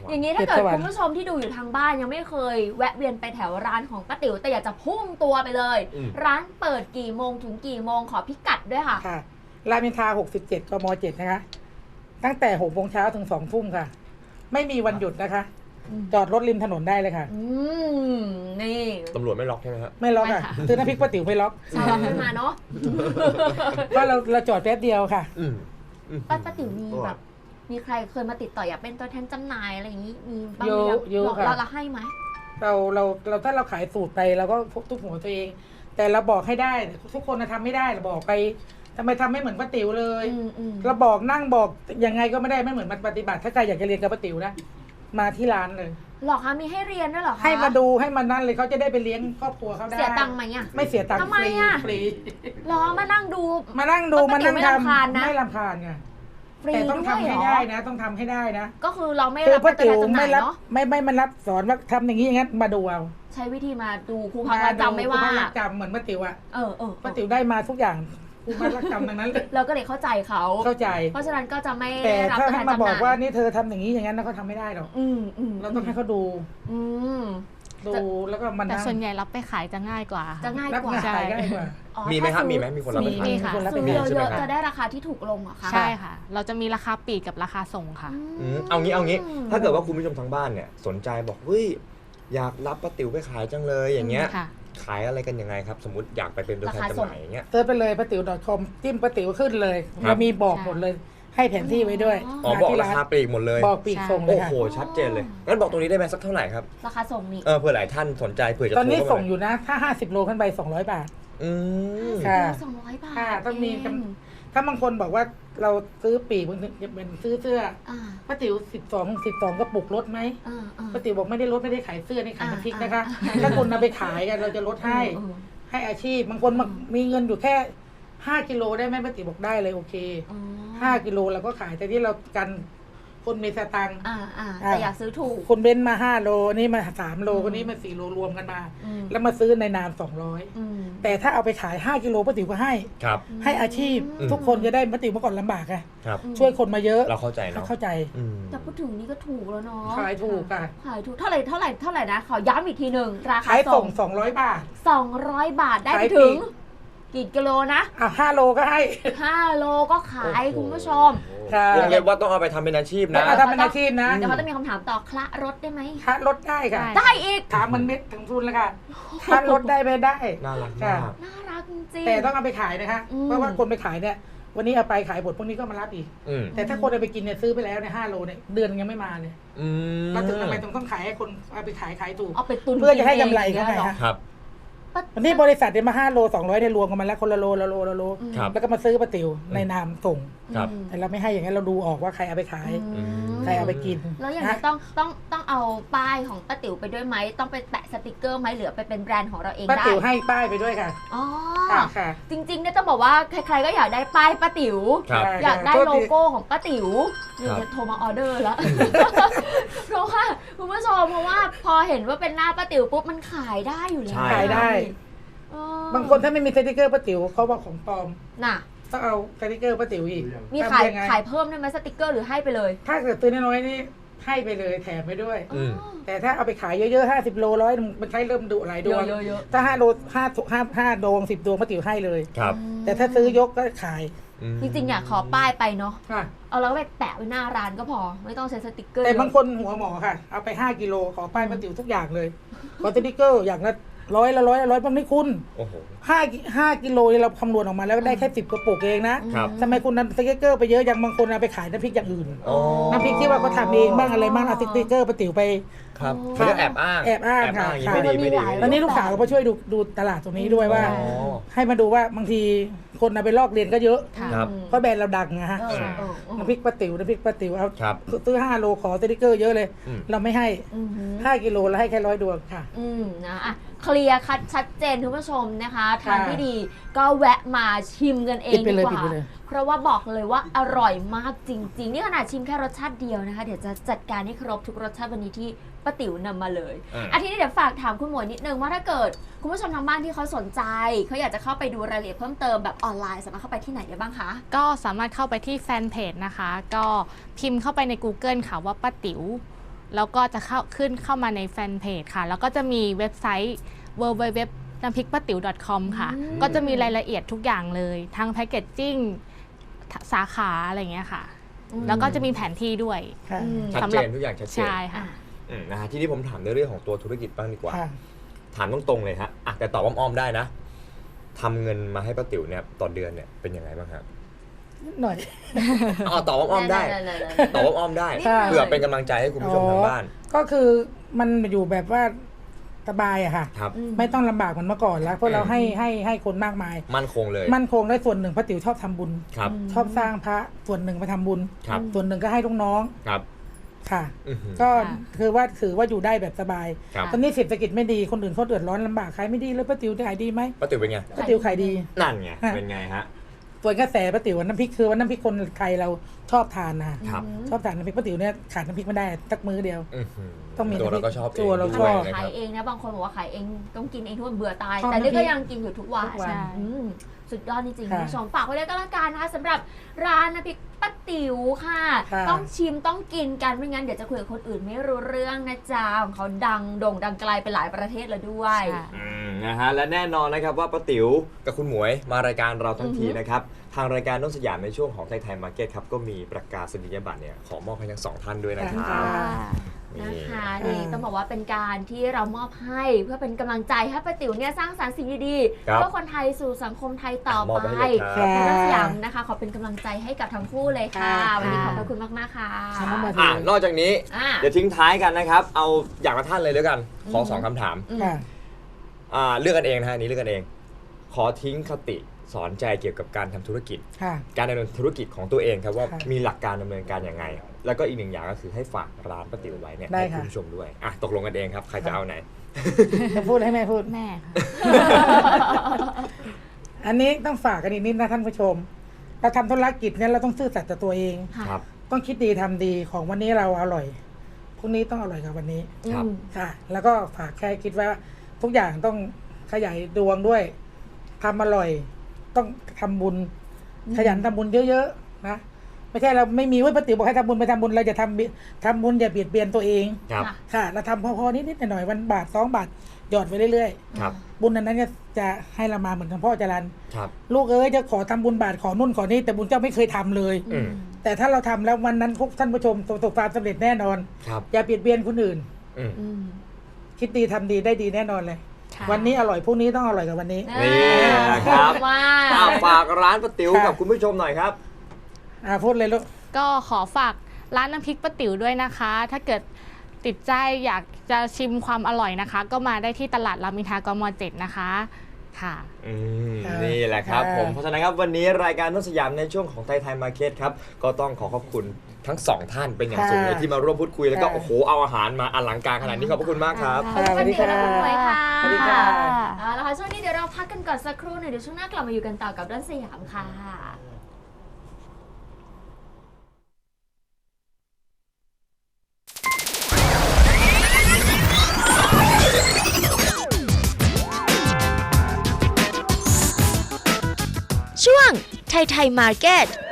[SPEAKER 2] อย่างนี้ถ้าเกิด
[SPEAKER 4] เจ็ดสวรรค์
[SPEAKER 2] คุณผู้ชมที่ดูอยู่ทางบ้านยังไม่เคยแวะเวียนไปแถวร้านของป้าติ๋วแต่อยากจะพุ่งตัวไปเลย ร้านเปิดกี่โมงถึงกี่โมงขอพิกัดด้วยค่ะ
[SPEAKER 4] ค่ะรามอินทรา67 กม 7 นะคะ ตั้งแต่6 โมงเช้าถึง 2 ทุ่มค่ะ ไม่มีวันหยุดนะคะ จอดรถริมถนนได้เลยค่ะ
[SPEAKER 2] นี่
[SPEAKER 3] ตำรวจไม่ล็อกใช่ไหมครับ
[SPEAKER 4] ไม่ล็อก
[SPEAKER 5] ไม่
[SPEAKER 4] อ่ะ
[SPEAKER 5] ค่ะ
[SPEAKER 4] ซื้อน้ำพริกป้าติ๋วไม่ล็อก
[SPEAKER 2] ชาวขึ้นมาเนาะ
[SPEAKER 4] ก็เราจอดแป๊บเดียวค่ะ
[SPEAKER 2] ป้าติ๋วมีแบบ มีใครเคยมาติดต่ออยากเป็นตัวแทนจำหน่ายอะไรอย่างนี้ มีบ้าง
[SPEAKER 4] เย
[SPEAKER 2] ไหม
[SPEAKER 4] อะเยอะ
[SPEAKER 2] เรา
[SPEAKER 4] ค่ะ
[SPEAKER 2] เราให้ไหม
[SPEAKER 4] เราถ้าเราขายสูตรไปเราก็ทุกหัวตัวเอง แต่เราบอกให้ได้ทุกคนทำไม่ได้เราบอกไปทำไมทำไม่เหมือนป้าติ๋วเลย เราบอกนั่งบอกยังไงก็ไม่ได้ไม่เหมือนมันปฏิบัติถ้าใครอยากจะเรียนกับป้าติ๋วนะมาที่ร้านเลย
[SPEAKER 2] หรอคะมีให้เรียนด้วยเหรอคะ
[SPEAKER 4] ให้มาดูให้มานั่นเลยเขาจะได้ไปเลี้ยงครอบครัวเขาได้
[SPEAKER 2] เสียตังค์ไหมอ่ะ
[SPEAKER 4] ไม่เสียตังค์
[SPEAKER 2] ทำไม
[SPEAKER 4] ฟรี
[SPEAKER 2] อะ
[SPEAKER 4] ฟรี
[SPEAKER 2] หรอมานั่งดู
[SPEAKER 4] มานั่งดู
[SPEAKER 2] ป้า
[SPEAKER 4] มา
[SPEAKER 2] ติ๋ว
[SPEAKER 4] นั่ง
[SPEAKER 2] ไม่รำคาญ
[SPEAKER 4] ทำ
[SPEAKER 2] นะ
[SPEAKER 4] ไม่รำคาญไง
[SPEAKER 2] ฟรี
[SPEAKER 4] แต่ต้อง
[SPEAKER 2] ด้วย
[SPEAKER 4] ทำ
[SPEAKER 2] เหร
[SPEAKER 4] ให้
[SPEAKER 2] อ
[SPEAKER 4] ได้นะ ต้องทำให้ได้นะ
[SPEAKER 2] ก็คือเราไม่
[SPEAKER 4] คือ
[SPEAKER 2] รับ
[SPEAKER 4] ป้า
[SPEAKER 2] เป็น
[SPEAKER 4] ติ๋ว
[SPEAKER 2] ตัวแทนจำห
[SPEAKER 4] ไม่
[SPEAKER 2] น่าย
[SPEAKER 4] รับ
[SPEAKER 2] เนาะ
[SPEAKER 4] ไม่มารับสอนว่าทำอย่างนี้อย่างนั้นมาดูเอา
[SPEAKER 2] ใช้วิธีมาดูครูพักรักจำไม่ว่า
[SPEAKER 4] ครูพักรักจำเหมือนป้าติ๋วอะ
[SPEAKER 2] เออ
[SPEAKER 4] ป้าติ๋วได้มาทุกอย่างครูพักรักจำดังนั้นเลย
[SPEAKER 2] เราก็เลยเข้าใจเขา
[SPEAKER 4] เข้าใจ
[SPEAKER 2] เพราะฉะนั้นก็จะไม่
[SPEAKER 4] แต่
[SPEAKER 2] ได้รับ
[SPEAKER 4] ถ้า
[SPEAKER 2] ตัวแท
[SPEAKER 4] ให้
[SPEAKER 2] น
[SPEAKER 4] มา
[SPEAKER 2] จำห
[SPEAKER 4] บอก
[SPEAKER 2] น่าย
[SPEAKER 4] ว่านี่เธอทำอย่างนี้อย่างนั้นนะเขาทำไม่ได้หรอก เราต้องให้เขาดู
[SPEAKER 2] อืม
[SPEAKER 4] ดูแล้วก็มัน
[SPEAKER 5] แต่
[SPEAKER 4] นั่ง
[SPEAKER 5] ส่วนใหญ่รับไปขายจะง่ายกว่า
[SPEAKER 2] จะง่าย
[SPEAKER 4] รับ
[SPEAKER 2] กว่า
[SPEAKER 4] งานขายง่ายกว่า
[SPEAKER 2] อ๋อ
[SPEAKER 3] มีไหมครับ
[SPEAKER 2] ถ้า
[SPEAKER 3] มีไหมมีคนรับไปขาย
[SPEAKER 5] มีค่ะ
[SPEAKER 4] คนรับไป
[SPEAKER 2] ซื้อ
[SPEAKER 4] ขาย
[SPEAKER 2] เย
[SPEAKER 3] ใช่ไหม
[SPEAKER 2] อะ
[SPEAKER 3] ครับ
[SPEAKER 2] ๆจะได้ราคาที่ถูกลงเหรอคะ
[SPEAKER 5] ใช่ค่ะ เราจะมีราคาปลีกกับราคาส่งค่ะ
[SPEAKER 3] เอางี้ถ้าเกิดว่าคุณผู้ชมทางบ้านเนี่ยสนใจบอกเฮ้ยอยากรับป้าติ๋วไปขายจังเลยอย่างเงี้ย
[SPEAKER 5] ค่ะ
[SPEAKER 3] ขายอะไรกันยังไงครับ สมมติอยากไปเป็นตัวแทนจำหน่ายอย่างเงี้ย
[SPEAKER 4] เซิร์ชไปเลยป้าติ๋ว .com จิ้มป้าติ๋วขึ้นเลย
[SPEAKER 3] ครับ
[SPEAKER 4] เรามีบอกหมดเลย ให้แผนที่ไว้ด้วย
[SPEAKER 3] อ๋อ
[SPEAKER 4] มา
[SPEAKER 3] บอก
[SPEAKER 4] ที่
[SPEAKER 3] ราคาปลีกหมดเลย
[SPEAKER 4] บอกปีกส่งเลย
[SPEAKER 3] โอ้
[SPEAKER 4] ค่ะ
[SPEAKER 3] โหชัดเจนเลยงั้นบอกตรงนี้ได้ไหมสักเท่าไหร่ครับ
[SPEAKER 2] ราคาส่งนี่
[SPEAKER 3] เผื่อหลายท่านสนใจเผื่อจะ
[SPEAKER 4] ตอนนี้
[SPEAKER 3] โทรเข้า
[SPEAKER 4] ส่ง
[SPEAKER 3] มา
[SPEAKER 4] อยู่นะ ถ้า 50 โลขึ้นไป 200 บาท
[SPEAKER 3] อืม
[SPEAKER 4] ค่ะ
[SPEAKER 2] 200 บาท
[SPEAKER 4] ค่ะต้องมี
[SPEAKER 2] เ
[SPEAKER 4] ถ้าบางคนบอกว่าเราซื้อปีกบางทีจะเป็นซื้อเสื้อ
[SPEAKER 2] อ่า
[SPEAKER 4] ป้าติ๋ว12 กระปุกลดไหม
[SPEAKER 2] อ่าอ่า
[SPEAKER 4] ป้าติ๋วบอกไม่ได้ลดไม่ได้ขายเสื้อนี่ขายน้ำพริกนะคะ
[SPEAKER 2] อ่า
[SPEAKER 4] ถ้าคุณเอาไปขายกันเราจะลดให้
[SPEAKER 2] อืม
[SPEAKER 4] ให้อาชีพบางคนมีเงินอยู่แค่5 กิโลได้ไหมป้าติ๋วบอกได้เลยโอเค
[SPEAKER 2] อ๋อ
[SPEAKER 4] 5 กิโลเราก็ขายแต่ที่เรากันคนมีสตังค์
[SPEAKER 2] แต่อยากซื้อถูก
[SPEAKER 4] คนเบ้นมา5 โลนี่มา3 โลคนนี้มา4 โลรวมกันมา
[SPEAKER 2] อืม
[SPEAKER 4] แล้วมาซื้อในนาม
[SPEAKER 2] อืม
[SPEAKER 4] 200 แต่ถ้าเอาไปขาย5 กิโลป้าติ๋วก็ให้
[SPEAKER 3] ครับ
[SPEAKER 4] ให้อาชีพ
[SPEAKER 2] อืม
[SPEAKER 4] ทุกคนจะได้ป้าติ๋วเมื่อก่อนลำบากไง
[SPEAKER 3] ครับ
[SPEAKER 4] ช่วยคนมาเยอะ
[SPEAKER 3] เราเข้าใจ
[SPEAKER 4] เขา
[SPEAKER 3] เนาะ
[SPEAKER 4] เข้าใจ
[SPEAKER 3] อืม
[SPEAKER 2] แต่พูดถึงนี่ก็ถูกแล้วเนาะ
[SPEAKER 4] ขายถูกอ่ะ
[SPEAKER 2] ขายถูกเท่าไหร่นะ ขอย้ำอีกทีหนึ่งราคา
[SPEAKER 4] ขาย
[SPEAKER 2] ส่
[SPEAKER 4] ส่
[SPEAKER 2] ง
[SPEAKER 4] ง200 บาท
[SPEAKER 2] 200 บาทได้ไป
[SPEAKER 4] ขาย
[SPEAKER 2] ถึง
[SPEAKER 4] ปีก
[SPEAKER 2] กี่กิโลนะ
[SPEAKER 4] 5 โลก็ให้
[SPEAKER 2] 5 โลก็ขาย
[SPEAKER 3] โอ้โห
[SPEAKER 2] คุณผู้ชม
[SPEAKER 4] ค่ะ
[SPEAKER 3] วงเล็บว่าต้องเอาไปทำเป็นอาชีพนะ
[SPEAKER 4] ถ้าทำเป็นอาชีพนะ
[SPEAKER 2] เดี๋ยวเขาจะมีคำถามต่อคละรถได้ไหม
[SPEAKER 4] ค่ารถได้ค่ะ
[SPEAKER 5] ได้
[SPEAKER 2] ได้อีก
[SPEAKER 4] ถามมันเม็ดถึงทุนแล้วค่ะค่ารถได้ไม่ได้
[SPEAKER 3] น่ารัก
[SPEAKER 4] ค่ะ
[SPEAKER 3] มาก
[SPEAKER 2] น่ารักจริงๆ
[SPEAKER 4] แต่ต้องเอาไปขายนะคะ
[SPEAKER 2] อืม
[SPEAKER 4] เพราะว่าคนไปขายเนี่ย วันนี้เอาไปขายหมดพวกนี้ก็มารับอีก
[SPEAKER 3] อืม
[SPEAKER 4] แต่ถ้าคนเอาไปกินเนี่ยซื้อไปแล้วเนี่ย5 โลเนี่ยเดือนยังไม่มาเลย
[SPEAKER 3] อืม
[SPEAKER 4] เราถึงทำไมต้องขายให้คนเอาไปขายถูก
[SPEAKER 2] เอาไปตุน
[SPEAKER 4] เพื่อจะให้กำไรเขาไง
[SPEAKER 2] กินอง
[SPEAKER 4] คะ
[SPEAKER 3] ครับ
[SPEAKER 2] ป้า
[SPEAKER 4] วันนี้บริษัทเนี่ยมา5 โล 200เนี่ยรวมกันมาแล้วคนละโลละโลละโล
[SPEAKER 3] ครับ
[SPEAKER 4] แล้วก็มาซื้อป้าติ๋วในนามส่ง
[SPEAKER 3] ครับ
[SPEAKER 2] อืม
[SPEAKER 4] แต่เราไม่ให้อย่างนั้นเราดูออกว่าใครเอาไปขาย
[SPEAKER 2] อืม
[SPEAKER 4] ใครเอาไปกิน
[SPEAKER 2] แล้วอย่างนี้
[SPEAKER 4] นะ
[SPEAKER 2] ต้องเอาป้ายของป้าติ๋วไปด้วยไหมต้องไปแปะสติกเกอร์ไหมหรือไปเป็นแบรนด์ของเราเอง
[SPEAKER 4] ป้า
[SPEAKER 2] ได้
[SPEAKER 4] ติ๋วให้ป้ายไปด้วยค่ะ
[SPEAKER 2] อ๋อ
[SPEAKER 4] ค่ะ
[SPEAKER 2] จริงๆเนี่ยต้องบอกว่าใครๆก็อยากได้ป้ายป้าติ๋ว
[SPEAKER 3] ครับ
[SPEAKER 2] อยากได้
[SPEAKER 4] โทษ
[SPEAKER 2] โล
[SPEAKER 4] ที
[SPEAKER 2] โก้ของป้าติ๋ว
[SPEAKER 3] ครับ
[SPEAKER 2] เดี๋ยวโทรมาออเดอร์แล้ว เพราะว่าคุณผู้ชมเพราะว่าพอเห็นว่าเป็นหน้าป้าติ๋วปุ๊บมันขายได้อยู่แล้ว
[SPEAKER 3] ใช่
[SPEAKER 4] ขายได้
[SPEAKER 2] เออบ
[SPEAKER 4] างคนถ้าไม่มีสติกเกอร์ป้าติ๋วเขาบอกของปลอม
[SPEAKER 2] น่ะ
[SPEAKER 4] ต้องเอาสติกเกอร์ป้าติ๋วอีก
[SPEAKER 2] มีขาย
[SPEAKER 4] ทำงไง
[SPEAKER 2] ขายเพิ่มได้ไหมสติกเกอร์หรือให้ไปเลย
[SPEAKER 4] ถ้าเกิดซื้อน้อยๆนี่ให้ไปเลยแถมไปด้วย
[SPEAKER 3] อืม
[SPEAKER 4] แต่ถ้าเอาไปขายเยอะๆ50 โลร้อยมันใช้เริ่มดุหลายดวง
[SPEAKER 2] เยอะๆ
[SPEAKER 4] ถ้า5 โล5 ดวง10 ดวงป้าติ๋วให้เลย
[SPEAKER 3] ครับ
[SPEAKER 4] แต่ถ้าซื้อยกก็ขาย
[SPEAKER 3] อืม
[SPEAKER 2] จริงๆอยากขอป้ายไปเนาะ
[SPEAKER 4] ค่ะ
[SPEAKER 2] เอาแล้วไปแปะไว้หน้าร้านก็พอ ไม่ต้องใช้สติกเกอร์
[SPEAKER 4] แต่บาง
[SPEAKER 2] เยอะ
[SPEAKER 4] คนหัวหมอค่ะ เอาไป5 กิโลขอป้ายป้าติ๋วทุกอย่างเลยขอสติกเกอร์อย่างละร้อยบางนี่คุณ
[SPEAKER 3] โอ้โห
[SPEAKER 4] 5 กิโลเนี่ยเราคำนวณออกมาแล้วได้แค่10 กระปุกเองนะครับ ทำไมคุณนำสติกเกอร์ไปเยอะอย่างบางคนเอาไปขายน้ำพริกอย่างอื่น
[SPEAKER 3] อ๋อ
[SPEAKER 4] น้ำพริกที่ว่าเขาทำเองบ้างอะไรบ้างเอาสติกเกอร์ป้าติ๋วไป
[SPEAKER 3] ครับเขาเรียกแอบอ้าง
[SPEAKER 4] แอบอ้างค่ะ
[SPEAKER 3] อย่างนี้ไม่ดีไม่ดี
[SPEAKER 4] ตอนนี้ลูกสาวก็มาช่วยดูตลาดตรงนี้ด้วยว่า
[SPEAKER 3] อ๋อ
[SPEAKER 4] ให้มาดูว่าบางทีคนเอาไปลอกเรียนก็เยอะ
[SPEAKER 5] ค่ะ
[SPEAKER 3] ครับ
[SPEAKER 4] เพราะแบรนด์เราดังนะฮะ
[SPEAKER 2] เออเออ
[SPEAKER 4] น้ำพริกป้าติ๋วเอา
[SPEAKER 3] ครับ
[SPEAKER 4] ซื้อ5 โลขอสติกเกอร์เยอะเลย
[SPEAKER 3] อืม
[SPEAKER 4] เราไม่ให้
[SPEAKER 2] อืม
[SPEAKER 4] 5 กิโลแล้วให้แค่100 ดวงค่ะ
[SPEAKER 2] นะอ่ะเคลียร์คัดชัดเจนคุณผู้ชมนะคะ ทาง
[SPEAKER 4] ค่ะ
[SPEAKER 2] ที่ดีก็แวะมาชิมกันเอง
[SPEAKER 4] ปิดไป
[SPEAKER 2] ดี
[SPEAKER 4] เลย
[SPEAKER 2] กว่า
[SPEAKER 4] ปิดไปเลย
[SPEAKER 2] เพราะว่าบอกเลยว่าอร่อยมากจริง ๆ นี่ขนาดชิมแค่รสชาติเดียวนะคะ เดี๋ยวจะจัดการให้ครบทุกรสชาติวันนี้ที่ป้าติ๋วนำมาเลย ทีนี้เดี๋ยวฝากถามคุณหมวยนิดนึงว่าถ้าเกิดคุณผู้ชมทางบ้านที่เขาสนใจเขาอยากจะเข้าไปดูรายละเอียดเพิ่มเติมแบบออนไลน์สามารถเข้าไปที่ไหนได้บ้างคะ
[SPEAKER 5] ก็สามารถเข้าไปที่แฟนเพจนะคะ ก็พิมพ์เข้าไปใน Google ค่ะว่าป้าติ๋วแล้วก็จะเข้ามาในแฟนเพจค่ะ แล้วก็จะมีเว็บไซต์ www น้ำพริกป้าติ๋ว .com ค่ะ ก็จะมีรายละเอียดทุกอย่างเลยทั้งแพคเกจจิ้งสาขาอะไรอย่างเงี้ยค่ะ แล้วก็จะมีแผนที่ด้วย
[SPEAKER 4] ค่ะ
[SPEAKER 3] ชัด
[SPEAKER 5] สำห
[SPEAKER 3] เจ
[SPEAKER 5] รับ
[SPEAKER 3] นทุกอย่างชัดเจน
[SPEAKER 5] ใช่ค่ะ
[SPEAKER 3] นะฮะทีนี้ผมถามในเรื่องของตัวธุรกิจบ้างดีกว่า
[SPEAKER 4] ค่ะ
[SPEAKER 3] ถามตรงๆเลยฮะแต่ตอบอ้อมๆได้นะทำเงินมาให้ป้าติ๋วเนี่ยต่อเดือนเนี่ยเป็นยังไงบ้างครับ
[SPEAKER 4] นิดหน่อย
[SPEAKER 3] ตอบอ้อมๆได้ตอบอ้อมๆได้
[SPEAKER 4] ค่ะ
[SPEAKER 3] เพื่อเป็นกำลังใจให้คุณผู้ชมทางบ้าน
[SPEAKER 4] ก็คือมันอยู่แบบว่าสบายอะค่ะ
[SPEAKER 3] ครับ
[SPEAKER 4] ไม่ต้องลำบากเหมือนเมื่อก่อนแล้วเพราะเราให้คนมากมาย
[SPEAKER 3] มั่นคงเลย
[SPEAKER 4] มั่นคงได้ส่วนหนึ่งพระติ๋วชอบทำบุญ
[SPEAKER 3] ครับ
[SPEAKER 4] ชอบสร้างพระส่วนหนึ่งไปทำบุญ
[SPEAKER 3] ครับ
[SPEAKER 4] ส่วนหนึ่งก็ให้ลูกน้อง
[SPEAKER 3] ครับ
[SPEAKER 4] ค่ะ
[SPEAKER 3] อื้อหือ
[SPEAKER 4] ก็
[SPEAKER 5] ค่ะ
[SPEAKER 4] ถือว่าอยู่ได้แบบสบาย
[SPEAKER 3] ครับ
[SPEAKER 4] ตอนนี้เศรษฐกิจไม่ดีคนอื่นเขาเดือดร้อนลำบากขายไม่ดีแล้วป้าติ๋วขายดีไหม
[SPEAKER 3] ป้าติ๋วเป็นไง
[SPEAKER 4] ป้าติ๋วขายดี
[SPEAKER 3] นั่นไง
[SPEAKER 4] ค่ะ
[SPEAKER 3] เป็นไงฮะ
[SPEAKER 4] ส่วนกระแสป้าติ๋วน้ำพริกคือว่าน้ำพริกคนไทยเราชอบทานนะครับ ชอบทานน้ำพริกป้าติ๋วเนี่ยขาดน้ำพริกไม่ได้สักมื้อเดียว
[SPEAKER 3] อื้อหือ
[SPEAKER 4] ต้องมี
[SPEAKER 3] ตัวเราก็ชอบ
[SPEAKER 4] ตัวเรา
[SPEAKER 3] อง
[SPEAKER 4] ชอบ
[SPEAKER 3] ด้วยนะค
[SPEAKER 2] ขาย
[SPEAKER 3] รับ
[SPEAKER 2] เองนะบางคนบอกว่าขายเองต้องกินเองทุกวันเบื่อตาย
[SPEAKER 4] ชอบ
[SPEAKER 2] แต่นี่
[SPEAKER 4] น้ำพริ
[SPEAKER 2] ก็
[SPEAKER 4] ก
[SPEAKER 2] ยังกินอยู่ทุกวัน
[SPEAKER 4] ทุกวัน
[SPEAKER 5] ใช่
[SPEAKER 2] สุดยอดจริงๆ
[SPEAKER 4] ค่ะ
[SPEAKER 2] คุณผู้ชมฝากไว้ด้วยก็แล้วกันนะคะสำหรับร้านน้ำพริกป้าติ๋วค่ะ
[SPEAKER 4] ค่ะ
[SPEAKER 2] ต้องชิมต้องกินกันไม่งั้นเดี๋ยวจะคุยกับคนอื่นไม่รู้เรื่องนะจ๊ะของเขาดังโด่งดังไกลไปหลายประเทศแล้วด้วย
[SPEAKER 5] ใช่
[SPEAKER 3] นะฮะและแน่นอนนะครับว่าป้าติ๋วกับคุณหมวยมารายการเราทั้งทีนะครับทางรายการต้นสยามในช่วงของไทยมาร์เก็ตครับก็มีประกาศนียบัตรเนี่ยขอมอบให้ทั้งสองท่านด้วยนะครับ
[SPEAKER 4] ค่ะ
[SPEAKER 2] นะคะนี่ต้องบอกว่าเป็นการที่เรามอบให้เพื่อเป็นกำลังใจให้ป้าติ๋วเนี่ยสร้างสรรค์สิ่งดีๆ
[SPEAKER 3] ครับ
[SPEAKER 2] เพื่อคนไทยสู่สังคมไทยต่อ
[SPEAKER 3] มอบ
[SPEAKER 2] ไป
[SPEAKER 3] ให้เลยครับ
[SPEAKER 2] ทางสยามนะคะขอเป็นกำลังใจให้กับทั้งคู่เลยค่ะ
[SPEAKER 4] ค่ะ
[SPEAKER 2] วันนี้ขอบพระคุณมากๆค่ะ
[SPEAKER 4] ค่ะ
[SPEAKER 3] นอกจากนี้
[SPEAKER 2] อ่ะ
[SPEAKER 3] เดี๋ยวทิ้งท้ายกันนะครับ เอาอย่างละท่านเลยด้วยกัน ขอสองคำถาม
[SPEAKER 4] ค่ะ
[SPEAKER 3] เลือกกันเองนะฮะอันนี้เลือกกันเอง ขอทิ้งคติสอนใจเกี่ยวกับการทำธุรกิจ
[SPEAKER 4] ค่ะ
[SPEAKER 3] การดำเนินธุรกิจของตัวเองครับว่า
[SPEAKER 4] ค่ะ
[SPEAKER 3] มีหลักการดำเนินการยังไง แล้วก็อีกหนึ่งอย่างก็คือให้ฝากร้านป้าติ๋วไว้เนี่ย
[SPEAKER 4] ได้
[SPEAKER 3] ให้
[SPEAKER 4] ค่ะ
[SPEAKER 3] คุณผู้ชมด้วยตกลงกันเองครับใครจะเอาไหน
[SPEAKER 4] จะพูดให้แม่พูด
[SPEAKER 5] แม่ค่ะ
[SPEAKER 4] อันนี้ต้องฝากกันอีกนิดนะท่านผู้ชม เราทำธุรกิจเนี่ยเราต้องซื่อสัตย์ต่อตัวเอง
[SPEAKER 2] ค่ะ
[SPEAKER 3] ครับ
[SPEAKER 4] ต้องคิดดีทำดีของวันนี้เราอร่อยพรุ่งนี้ต้องอร่อยกว่าวันนี้
[SPEAKER 3] ครับ
[SPEAKER 4] ค่ะ แล้วก็ฝากแค่คิดว่าทุกอย่างต้องขยายดวงด้วยทำอร่อย ต้องทำบุญ ขยันทำบุญเยอะๆนะไม่ใช่เราไม่มีว่าปฏิบอกให้ทำบุญไปทำบุญเราจะทำบุญอย่าเบียดเบียนตัวเอง
[SPEAKER 3] ครับ
[SPEAKER 2] ค่ะ
[SPEAKER 4] ค่ะ เราทำพอๆนิดๆหน่อยๆวันบาท2 บาทหยอดไปเรื่อย
[SPEAKER 3] ครับ
[SPEAKER 4] ๆบุญนั้นก็จะให้เรามาเหมือนกับพ่อจรัน
[SPEAKER 3] ครับ
[SPEAKER 4] ลูกเอ้ยจะขอทำบุญบาทขอนู่นขอนี่แต่บุญเจ้าไม่เคยทำเลย
[SPEAKER 3] อืม
[SPEAKER 4] แต่ถ้าเราทำแล้ววันนั้นพวกท่านผู้ชมประสบความสำเร็จแน่นอน
[SPEAKER 3] ครับ
[SPEAKER 4] อย่าเบียดเบียนคนอื่น
[SPEAKER 3] อืม
[SPEAKER 2] อืม
[SPEAKER 4] คิดดีทำดีได้ดีแน่นอนเลย
[SPEAKER 5] ค่ะ
[SPEAKER 4] วันนี้อร่อยพรุ่งนี้ต้องอร่อยกว่าวันนี้
[SPEAKER 3] นี่นะครับ
[SPEAKER 2] ว่า
[SPEAKER 3] ฝากร้านป้าติ๋ว
[SPEAKER 4] ค่ะ
[SPEAKER 3] กับคุณผู้ชมหน่อยครับ
[SPEAKER 4] พูดเลยลูก
[SPEAKER 5] ก็ขอฝากร้านน้ำพริกป้าติ๋วด้วยนะคะ ถ้าเกิดติดใจอยากจะชิมความอร่อยนะคะ ก็มาได้ที่ตลาดรามอินทรากม.7 นะคะค่ะ
[SPEAKER 4] ค่ะ
[SPEAKER 3] นี่แหละครับ
[SPEAKER 4] ค่ะ
[SPEAKER 3] ผมเพราะฉะนั้นครับวันนี้รายการต้นสยามในช่วงของไทยมาร์เก็ตครับก็ต้องขอบคุณทั้งสองท่านเป็นอย่างสูงเลยที่มาร่วมพูดคุยแล้วก็โอ้โหเอาอาหารมาอลังการขนาดนี้ขอบพระคุณมากครับ
[SPEAKER 2] ขอบคุณป้าติ๋วและคุณหมวยค่ะ
[SPEAKER 4] สวัสดีค่ะ
[SPEAKER 2] เอาละค่ะช่วงนี้เดี๋ยวเราพักกันก่อนสักครู่หนึ่งเดี๋ยวช่วงหน้ากลับมาอยู่กันต่อกับด้านสยามค่ะ
[SPEAKER 6] ช่วงไทยมาร์เก็ต